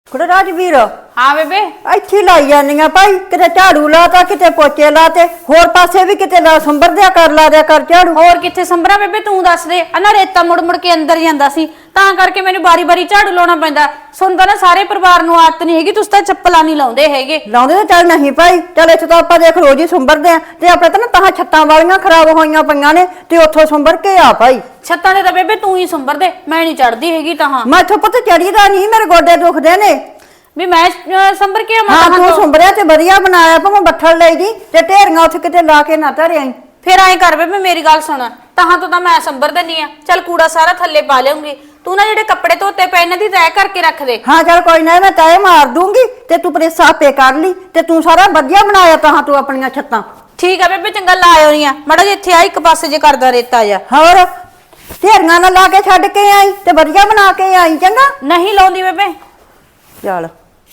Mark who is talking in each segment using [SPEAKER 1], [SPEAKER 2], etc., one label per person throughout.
[SPEAKER 1] ਕੁੜੇ ਰਾਜਵੀਰ
[SPEAKER 2] हाँ बेबे
[SPEAKER 1] ਇੱਥੇ ਲਾਈ ਜਾਂਦੀਆਂ ਭਾਈ ਕਿਤੇ ਝਾੜੂ ਲਾਤਾ ਕਿਤੇ ਪੋਚੇ ਲਾਤੇ ਹੋਰ ਪਾਸੇ ਵੀ ਕਿਤੇ ਲਾ ਸੰਭਰ ਦਿਆ ਕਰ ਝਾੜੂ
[SPEAKER 2] और किथे संभरा बेबे तू दस दे ना रेता मुड़ मुड़ के अंदर ਜਾਂਦਾ ਸੀ ਤਾਂ ਕਰਕੇ ਮੈਨੂੰ ਬਾਰੀ ਬਾਰੀ ਝਾੜੂ ਲਾਉਣਾ ਪੈਂਦਾ ਸੁਣਦਾ ਨਾ ਸਾਰੇ ਪਰਿਵਾਰ ਨੂੰ ਆਦਤ ਨਹੀਂ ਹੈਗੀ ਤੁਸੀਂ ਤਾਂ ਚੱਪਲਾਂ ਨਹੀਂ ਲਾਉਂਦੇ ਹੈਗੇ
[SPEAKER 1] ਲਾਉਂਦੇ ਤਾਂ ਚੱਲ ਨਹੀਂ ਭਾਈ ਚੱਲ ਇੱਥੇ ਤਾਂ ਆਪਾਂ ਦੇਖ ਰੋਜ਼ ਹੀ ਸੰਭਰਦੇ ਆ ਤੇ ਆਪਣੇ ਤਾਂ ਨਾ ਤਾਂ ਛੱਤਾਂ ਵਾਲੀਆਂ ਖਰਾਬ ਹੋਈਆਂ ਪਈਆਂ ਨੇ ਤੇ ਉੱਥੋਂ ਸੰਭਰ ਕੇ ਆ ਭਾਈ
[SPEAKER 2] ਛੱਤਾਂ ਦੇ ਤਾਂ ਬੇਬੇ ਤੂੰ ਹੀ ਸੰਭਰ ਦੇ ਮੈਂ ਨਹੀਂ ਚੜਦੀ ਹੈਗੀ ਤਾਂ
[SPEAKER 1] ਮੈਂ ਇੱਥੋਂ ਪੁੱਤ ਚੜੀਦਾ ਨਹੀਂ ਮੇਰੇ ਗੋਡੇ ਦੁਖਦੇ ਨੇ
[SPEAKER 2] ਵੀ ਮੈਂ ਸੰਭਰ ਕੇ
[SPEAKER 1] ਹਾਂ ਤੂੰ ਸੰਭਰਿਆ ਤੇ ਵਧੀਆ ਬਣਾਇਆ ਭਾਵੇਂ ਬੱਠਲ ਲਈ ਦੀ ਤੇ ਢੇਰੀਆਂ ਉੱਥੇ ਕਿਤੇ ਲਾ ਕੇ ਨਾ ਧਰਿਆ
[SPEAKER 2] ਫਿਰ ਐਂ ਕਰ ਬੇਬੇ ਮੇਰੀ ਗੱਲ ਸੁਣ ਤਾਹਾਂ ਤੋਂ ਤਾਂ ਮੈਂ ਸੰਭਰ ਦਿੰਨੀ ਆ ਚੱਲ ਕੂੜਾ ਸਾਰਾ ਥੱਲੇ ਪਾ ਲਿਆਉਂਗੀ ਤੂੰ ਨਾ ਜਿਹੜੇ ਕੱਪੜੇ ਧੋਤੇ ਪਏ ਇਹਨਾਂ ਦੀ ਤੈਅ ਕਰਕੇ ਰੱਖ ਦੇ
[SPEAKER 1] ਹਾਂ ਚੱਲ ਕੋਈ ਨਾ ਮੈਂ ਤੈਅ ਮਾਰ ਦੂੰਗੀ ਤੇ ਤੂੰ ਪ੍ਰੈਸ ਆਪੇ ਕਰ ਲਈ ਤੇ ਤੂੰ ਸਾਰਾ ਵਧੀਆ ਬਣਾਇਆ ਤਾਂ ਤੂੰ ਆਪਣੀਆਂ ਛੱਤਾਂ
[SPEAKER 2] ਠੀਕ ਆ ਬੇਬੇ ਚੰਗਾ ਲਾਇਓ ਨਹੀਂ ਆ ਮੜਾ ਜੇ ਇੱਥੇ ਆ ਇੱਕ ਪਾਸੇ ਜੇ ਕਰਦਾ ਰੇਤਾ ਜਾ
[SPEAKER 1] ਹੋਰ ਢੇਰੀਆਂ ਨਾਲ ਲਾ ਕੇ ਛੱਡ ਕੇ ਆਈ ਤੇ ਵਧੀਆ ਬਣਾ ਕੇ ਆਈ ਚੰਗਾ
[SPEAKER 2] ਨਹੀਂ ਲਾਉਂਦੀ ਬੇਬੇ
[SPEAKER 1] ਚੱਲ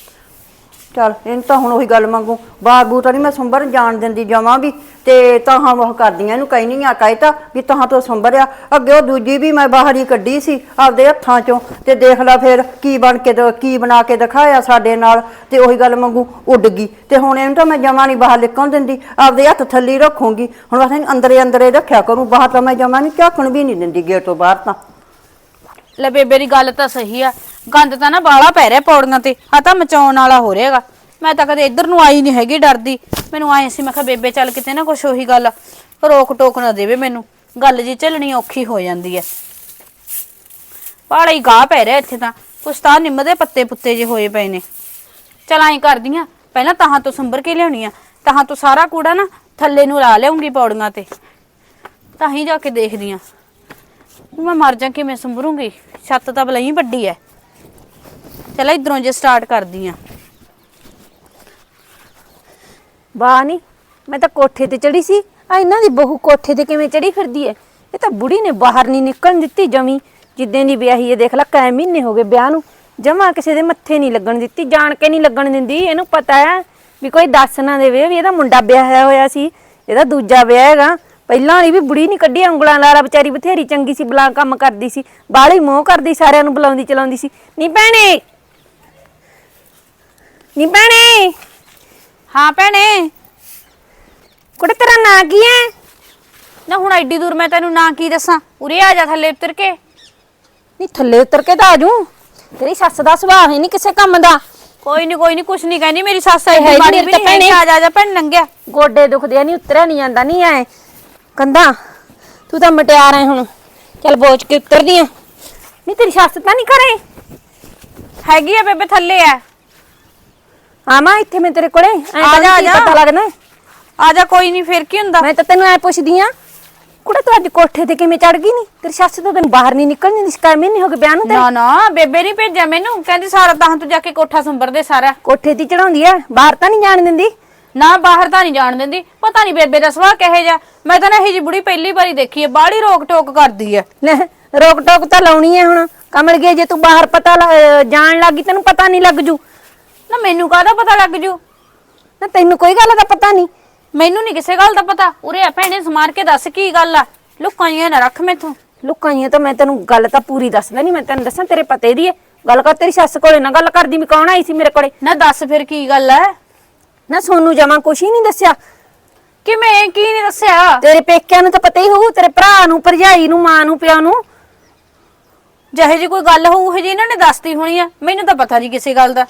[SPEAKER 1] ਚੱਲ ਇਹਨੂੰ ਤਾਂ ਹੁਣ ਉਹੀ ਗੱਲ ਮੰਗੂ ਬਾਗੂ ਤਾਂ ਨਹੀਂ ਮੈਂ ਸੰਭਰ ਜਾਣ ਦਿੰਦੀ ਜਾਵਾਂ ਵੀ ਤੇ ਤਾਹਾਂ ਉਹ ਕਰਦੀਆਂ ਇਹਨੂੰ ਕਹੀ ਨਹੀਂ ਆ ਕਹਿਤਾ ਵੀ ਤਾਹਾਂ ਤੋਂ ਸੰਭਰਿਆ ਅੱਗੇ ਉਹ ਦੂਜੀ ਵੀ ਮੈਂ ਬਾਹਰ ਹੀ ਕੱਢੀ ਸੀ ਆਪਦੇ ਹੱਥਾਂ ਚੋਂ ਤੇ ਦੇਖ ਲੈ ਫਿਰ ਕੀ ਕੀ ਬਣਾ ਕੇ ਦਿਖਾਇਆ ਸਾਡੇ ਨਾਲ ਤੇ ਉਹੀ ਗੱਲ ਮੰਗੂ ਉੱਡ ਗਈ ਤੇ ਹੁਣ ਇਹਨੂੰ ਤਾਂ ਮੈਂ ਜਮਾ ਨਹੀਂ ਬਾਹਰ ਨਿਕਲਣ ਦਿੰਦੀ ਆਪਦੇ ਹੱਥ ਥੱਲੇ ਰੱਖੂੰਗੀ ਹੁਣ ਬਸ ਅੰਦਰੇ ਰੱਖਿਆ ਕਰੂੰ ਬਾਹਰ ਤਾਂ ਮੈਂ ਜਮਾ ਨਹੀਂ ਝਾਕਣ ਵੀ ਨਹੀਂ ਦਿੰਦੀ ਗੇਟ ਤੋਂ ਬਾਹਰ ਤਾਂ
[SPEAKER 2] ਲੈ ਬੇਬੇ ਦੀ ਗੱਲ ਤਾਂ ਸਹੀ ਆ ਗੰਦ ਤਾਂ ਨਾ ਬਾਲਾ ਪੈ ਰਿਹਾ ਪੌੜੀਆਂ ਤੇ ਆ ਤਾਂ ਮਚਾਉਣ ਵਾਲਾ ਹੋ ਰਿਹਾਗਾ ਮੈਂ ਤਾਂ ਕਦੇ ਇੱਧਰ ਨੂੰ ਆਈ ਨਹੀਂ ਹੈਗੀ ਡਰਦੀ ਮੈਨੂੰ ਆਏ ਸੀ ਮੈਂ ਕਿਹਾ ਬੇਬੇ ਚੱਲ ਕਿਤੇ ਨਾ ਕੁਛ ਉਹੀ ਗੱਲ ਰੋਕ ਟੋਕ ਨਾ ਦੇਵੇ ਮੈਨੂੰ ਗੱਲ ਜੀ ਝੱਲਣੀ ਔਖੀ ਹੋ ਜਾਂਦੀ ਐ ਬਾਲਾ ਹੀ ਗਾਹ ਪੈ ਰਿਹਾ ਇੱਥੇ ਤਾਂ ਕੁਛ ਤਾਂ ਨਿੰਮ ਦੇ ਪੱਤੇ ਪੁੱਤੇ ਜੇ ਹੋਏ ਪਏ ਨੇ ਚੱਲ ਐਂ ਕਰਦੀਆਂ ਪਹਿਲਾਂ ਤਾਹਾਂ ਤੋਂ ਸੰਭਰ ਕੇ ਲਿਆਉਣੀ ਆ ਤਾਹਾਂ ਤੋਂ ਸਾਰਾ ਕੂੜਾ ਨਾ ਥੱਲੇ ਨੂੰ ਲਾ ਲਿਆਉਂਗੀ ਪੌੜੀਆਂ ਤੇ ਤਾਂ ਹੀ ਜਾ ਕੇ ਦੇਖਦੀ ਆ ਮੈਂ ਮਰ ਜਾ ਕਿਵੇਂ ਸੰਭਰੂੰਗੀ ਛੱਤ ਤਾਂ ਬਲਈ ਵੱਡੀ ਐ ਚਲ ਇਧਰੋਂ ਜੇ ਸਟਾਰਟ ਕਰਦੀ ਆ
[SPEAKER 3] ਵਾਹ ਨੀ ਮੈਂ ਤਾਂ ਕੋਠੇ ਤੇ ਚੜੀ ਸੀ ਆ ਇਹਨਾਂ ਦੀ ਬਹੂ ਕੋਠੇ ਤੇ ਕਿਵੇਂ ਚੜੀ ਫਿਰਦੀ ਐ ਇਹ ਤਾਂ ਬੁੜੀ ਨੇ ਬਾਹਰ ਨਹੀਂ ਨਿਕਲਣ ਦਿੱਤੀ ਜਮੀ ਜਿੱਦਾਂ ਦੀ ਵਿਆਹੀ ਐ ਦੇਖ ਲੈ ਕਈ ਮਹੀਨੇ ਹੋ ਗਏ ਵਿਆਹ ਨੂੰ ਜਮਾ ਕਿਸੇ ਦੇ ਮੱਥੇ ਨਹੀਂ ਲੱਗਣ ਦਿੱਤੀ ਜਾਣ ਕੇ ਨਹੀਂ ਲੱਗਣ ਦਿੰਦੀ ਇਹਨੂੰ ਪਤਾ ਹੈ ਵੀ ਕੋਈ ਦੱਸ ਨਾ ਦੇਵੇ ਵੀ ਇਹਦਾ ਮੁੰਡਾ ਵਿਆਹਿਆ ਹੋਇਆ ਸੀ ਇਹਦਾ ਦੂਜਾ ਵਿਆਹ ਹੈਗਾ ਪਹਿਲਾਂ ਵਾਲੀ ਵੀ ਬੁੜੀ ਨਹੀਂ ਕੱਢੀ ਉਂਗਲਾਂ ਲਾਰਾ ਵਿਚਾਰੀ ਬਥੇਰੀ ਚੰਗੀ ਸੀ ਬਲਾ ਕੰਮ ਕਰਦੀ ਸੀ ਬਾਹਲੀ ਮੋਹ ਕਰਦੀ ਸਾਰਿਆਂ ਨੂੰ ਬੁਲਾਉਂਦੀ ਚਲਾਉਂਦੀ ਸੀ ਨੀ ਭੈਣੇ
[SPEAKER 2] ਹਾਂ ਭੈਣੇ
[SPEAKER 3] ਕੁੜੇ ਤੇਰਾ ਨਾਂ ਕੀ ਹੈ
[SPEAKER 2] ਨਾ ਹੁਣ ਐਡੀ ਦੂਰ ਮੈਂ ਤੈਨੂੰ ਨਾ ਕੀ ਦੱਸਾਂ ਉਰੇ ਆ ਜਾ ਥੱਲੇ ਉਤਰ ਕੇ
[SPEAKER 3] ਨੀ ਥੱਲੇ ਉਤਰ ਕੇ ਤਾਂ ਆਜੂ ਤੇਰੀ ਸੱਸ ਦਾ ਸੁਭਾਅ ਹੈ ਨਹੀਂ ਕਿਸੇ ਕੰਮ ਦਾ
[SPEAKER 2] ਕੋਈ ਨਹੀਂ ਕੁਛ ਨਹੀਂ ਕਹਿੰਦੀ ਮੇਰੀ ਸੱਸ ਐ
[SPEAKER 3] ਹੈ
[SPEAKER 2] ਮਾੜੀ
[SPEAKER 3] ਨੀ
[SPEAKER 2] ਵੀ
[SPEAKER 3] ਤਾਂ
[SPEAKER 2] ਨਹੀਂ ਆ ਜਾ ਭੈਣ ਨੰਗਿਆ
[SPEAKER 3] ਗੋਡੇ ਦੁਖਦੇ ਆ ਨਹੀਂ ਉਤਰਿਆ ਨਹੀਂ ਜਾਂਦਾ ਨਹੀਂ ਐ ਕੰਦਾ ਤੂੰ ਤਾਂ ਮਟਿਆਰ ਐ ਹੁਣ ਚੱਲ ਬੋਝ ਕੇ ਉਤਰਦੀ ਆ ਨਹੀਂ ਤੇਰੀ ਸੱਸ ਤਾਂ ਨਹੀਂ ਘਰੇ
[SPEAKER 2] ਹੈਗੀ ਆ ਬੇਬੇ ਥੱਲੇ ਆ
[SPEAKER 3] ਆਵਾਂ ਇੱਥੇ ਮੈਂ ਤੇਰੇ ਕੋਲੇ
[SPEAKER 2] ਆ ਜਾ
[SPEAKER 3] ਪਤਾ ਲੱਗਣਾ
[SPEAKER 2] ਆ ਜਾ ਕੋਈ ਨਹੀਂ ਫੇਰ ਕੀ ਹੁੰਦਾ
[SPEAKER 3] ਮੈਂ ਤਾਂ ਤੈਨੂੰ ਐ ਪੁੱਛਦੀ ਆ ਕੁੜੇ ਤੂੰ ਅੱਜ ਕੋਠੇ ਤੇ ਕਿਵੇਂ ਚੜ ਗਈ ਨਹੀਂ ਤੇਰੀ ਸੱਸ ਤਾਂ ਤੈਨੂੰ ਬਾਹਰ ਨਹੀਂ ਨਿਕਲਣੀ ਦੀ ਸ਼ਿਕਾਇਤ ਨਹੀਂ ਹੋ ਗਈ ਬਿਆਨ ਨੂੰ ਤੇ
[SPEAKER 2] ਨਾ ਬੇਬੇ ਨਹੀਂ ਭੇਜਿਆ ਮੈਨੂੰ ਕਹਿੰਦੀ ਸਾਰਾ ਤਾਂ ਤੂੰ ਜਾ ਕੇ ਕੋਠਾ ਸੰਭਰਦੇ ਸਾਰਾ
[SPEAKER 3] ਕੋਠੇ ਤੇ ਚੜਾਉਂਦੀ ਆ ਬਾਹਰ ਤਾਂ ਨਹੀਂ ਜਾਣ ਦਿੰਦੀ
[SPEAKER 2] ਨਾ ਬਾਹਰ ਤਾਂ ਨਹੀਂ ਜਾਣ ਦਿੰਦੀ ਪਤਾ ਨਹੀਂ ਬੇਬੇ ਦਾ ਸੁਭਾਅ ਕਿਹੋ ਜਿਹਾ ਮੈਂ ਤਾਂ ਨਾ ਇਹ ਜੀ ਬੁੜੀ ਪਹਿਲੀ ਵਾਰੀ ਦੇਖੀ ਹੈ ਬਾਹਲੀ ਰੋਕ ਟੋਕ ਕਰਦੀ ਹੈ
[SPEAKER 3] ਲੈ ਰੋਕ ਟੋਕ ਤਾਂ ਲਾਉਣੀ ਐ ਹੁਣ ਕਮਲ ਗਏ ਜੇ ਤੂੰ ਬਾਹਰ ਪਤਾ ਜਾਣ ਲੱਗੀ ਤੈਨੂੰ ਪਤਾ ਨਹੀਂ ਲੱਗ ਜੂ
[SPEAKER 2] ਨਾ ਮੈਨੂੰ ਕਾਹਦਾ ਪਤਾ ਲੱਗ ਜੂ
[SPEAKER 3] ਨਾ ਤੈਨੂੰ ਕੋਈ ਗੱਲ ਦਾ ਪਤਾ ਨਹੀਂ
[SPEAKER 2] ਮੈਨੂੰ ਨਹੀਂ ਕਿਸੇ ਗੱਲ ਦਾ ਪਤਾ ਉਰੇ ਆ ਭੈਣੇ ਸਮਾਰ ਕੇ ਦੱਸ ਕੀ ਗੱਲ ਆ ਲੁਕਾਂ ਹੀ ਨਾ ਰੱਖ ਮੈਥੋਂ
[SPEAKER 3] ਲੁਕਾਂ ਹੀ ਤਾਂ ਮੈਂ ਤੈਨੂੰ ਗੱਲ ਤਾਂ ਪੂਰੀ ਦੱਸਦਾ ਨਹੀਂ ਮੈਂ ਤੈਨੂੰ ਦੱਸਾਂ ਤੇਰੇ ਪਤੇ ਦੀ ਐ ਗੱਲ ਕਰ ਤੇਰੀ ਸੱਸ ਕੋਲੇ ਨਾ ਗੱਲ ਕਰਦੀ ਮੈਂ ਕੌਣ ਆਈ ਸੀ ਮੇਰੇ ਕੋਲੇ
[SPEAKER 2] ਨਾ ਦੱਸ ਫਿਰ ਕੀ ਗੱਲ ਐ
[SPEAKER 3] ਨਾ ਸੋਨੂੰ ਜਮਾ ਕੁਛ ਹੀ ਨਹੀਂ ਦੱਸਿਆ
[SPEAKER 2] ਕਿਵੇਂ ਕੀ ਨਹੀਂ ਦੱਸਿਆ
[SPEAKER 3] ਤੇਰੇ ਪੇਕਿਆਂ ਨੂੰ ਤਾਂ ਪਤਾ ਹੀ ਹੋਊ ਤੇਰੇ ਭਰਾ ਨੂੰ ਭਰਜਾਈ ਨੂੰ ਮਾਂ ਨੂੰ ਪਿਓ ਨੂੰ
[SPEAKER 2] ਜਿਹੇ ਜੀ ਕੋਈ ਗੱਲ ਹੋਊ ਜੀ ਇਹਨਾਂ ਨੇ ਦੱਸਤੀ ਹੋਣੀ ਆ ਮੈਨੂੰ ਤਾਂ ਪਤਾ ਨਹੀਂ ਕਿਸੇ ਗੱਲ ਦਾ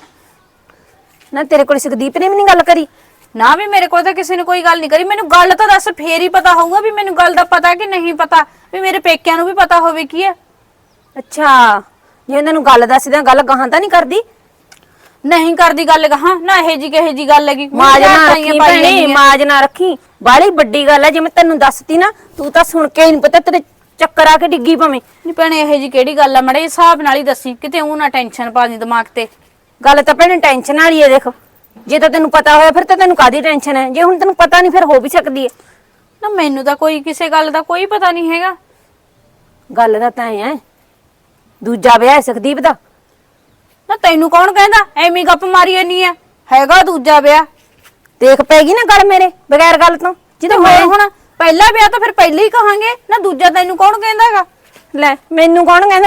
[SPEAKER 3] ਨਾ ਤੇਰੇ ਕੋਲ ਸੁਖਦੀਪ ਨੇ ਵੀ ਨਹੀਂ ਗੱਲ ਕਰੀ
[SPEAKER 2] ਨਾ ਵੀ ਮੇਰੇ ਕੋਲ ਤਾਂ ਕਿਸੇ ਨੇ ਕੋਈ ਗੱਲ ਨਹੀਂ ਕਰੀ ਮੈਨੂੰ ਗੱਲ ਤਾਂ ਦੱਸ ਫੇਰ ਹੀ ਪਤਾ ਹੋਊਗਾ ਵੀ ਮੈਨੂੰ ਗੱਲ ਦਾ ਪਤਾ ਕਿ ਨਹੀਂ ਪਤਾ ਵੀ ਮੇਰੇ ਪੇਕਿਆਂ ਨੂੰ ਵੀ ਪਤਾ ਹੋਵੇ ਕੀ ਹੈ
[SPEAKER 3] ਅੱਛਾ ਜੇ ਉਹਨਾਂ ਨੂੰ ਗੱਲ ਦੱਸਦਿਆਂ ਗੱਲ ਗਾਹਾਂ ਤਾਂ ਨਹੀਂ ਕਰਦੀ
[SPEAKER 2] ਨਹੀਂ ਕਰਦੀ ਗੱਲ ਕਹਾਂ ਨਾ ਇਹ ਜੀ ਕਹੇ ਜੀ ਗੱਲ ਹੈਗੀ
[SPEAKER 3] ਮਾਜ ਨਾ ਰੱਖੀ ਭੈਣੇ ਮਾਜ ਨਾ ਰੱਖੀ ਬਾਹਲੀ ਵੱਡੀ ਗੱਲ ਹੈ ਜੇ ਮੈਂ ਤੈਨੂੰ ਦੱਸਤੀ ਨਾ ਤੂੰ ਤਾਂ ਸੁਣ ਕੇ ਹੀ ਨਹੀਂ ਪਤਾ ਤੇਰੇ ਚੱਕਰ ਆ ਕੇ ਡਿੱਗੀ ਭਾਵੇਂ
[SPEAKER 2] ਨਹੀਂ ਭੈਣੇ ਇਹ ਜੀ ਕਿਹੜੀ ਗੱਲ ਆ ਮੜੇ ਹਿਸਾਬ ਨਾਲ ਹੀ ਦੱਸੀ ਕਿਤੇ ਉਹ ਨਾ ਟੈਨਸ਼ਨ ਪਾ ਦੀ ਦਿਮਾਗ ਤੇ
[SPEAKER 3] ਗੱਲ ਤਾਂ ਭੈਣੇ ਟੈਨਸ਼ਨ ਵਾਲੀ ਹੈ ਦੇਖ ਜੇ ਤਾਂ ਤੈਨੂੰ ਪਤਾ ਹੋਇਆ ਫਿਰ ਤਾਂ ਤੈਨੂੰ ਕਾਦੀ ਟੈਨਸ਼ਨ ਹੈ ਜੇ ਹੁਣ ਤੈਨੂੰ ਪਤਾ ਨਹੀਂ ਫਿਰ ਹੋ ਵੀ ਸਕਦੀ ਹੈ
[SPEAKER 2] ਨਾ ਮੈਨੂੰ ਤਾਂ ਕੋਈ ਕਿਸੇ ਗੱਲ ਦਾ ਕੋਈ ਪਤਾ ਨਹੀਂ ਹੈਗਾ
[SPEAKER 3] ਗੱਲ ਦਾ ਤਾਂ ਐ ਦੂਜਾ ਵਿਆਹ ਹੈ ਸੁਖਦੀਪ ਦਾ
[SPEAKER 2] ਨਾ ਤੈਨੂੰ ਕੌਣ ਕਹਿੰਦਾ ਐਵੇਂ ਗੱਪ ਮਾਰੀ ਜਾਨੀ ਆ ਹੈਗਾ ਦੂਜਾ ਵਿਆਹ
[SPEAKER 3] ਦੇਖ ਪੈਗੀ ਨਾ ਗੱਲ ਮੇਰੇ ਬਗੈਰ ਗੱਲ ਤੋਂ
[SPEAKER 2] ਜਦੋਂ ਹੋਏ ਹੁਣ ਪਹਿਲਾ ਵਿਆਹ ਤਾਂ ਫਿਰ ਪਹਿਲਾਂ ਹੀ ਕਹਾਂਗੇ ਨਾ ਦੂਜਾ ਤੈਨੂੰ ਕੌਣ ਕਹਿੰਦਾਗਾ
[SPEAKER 3] ਲੈ ਮੈਨੂੰ ਕੌਣ ਕਹਿੰਦਾ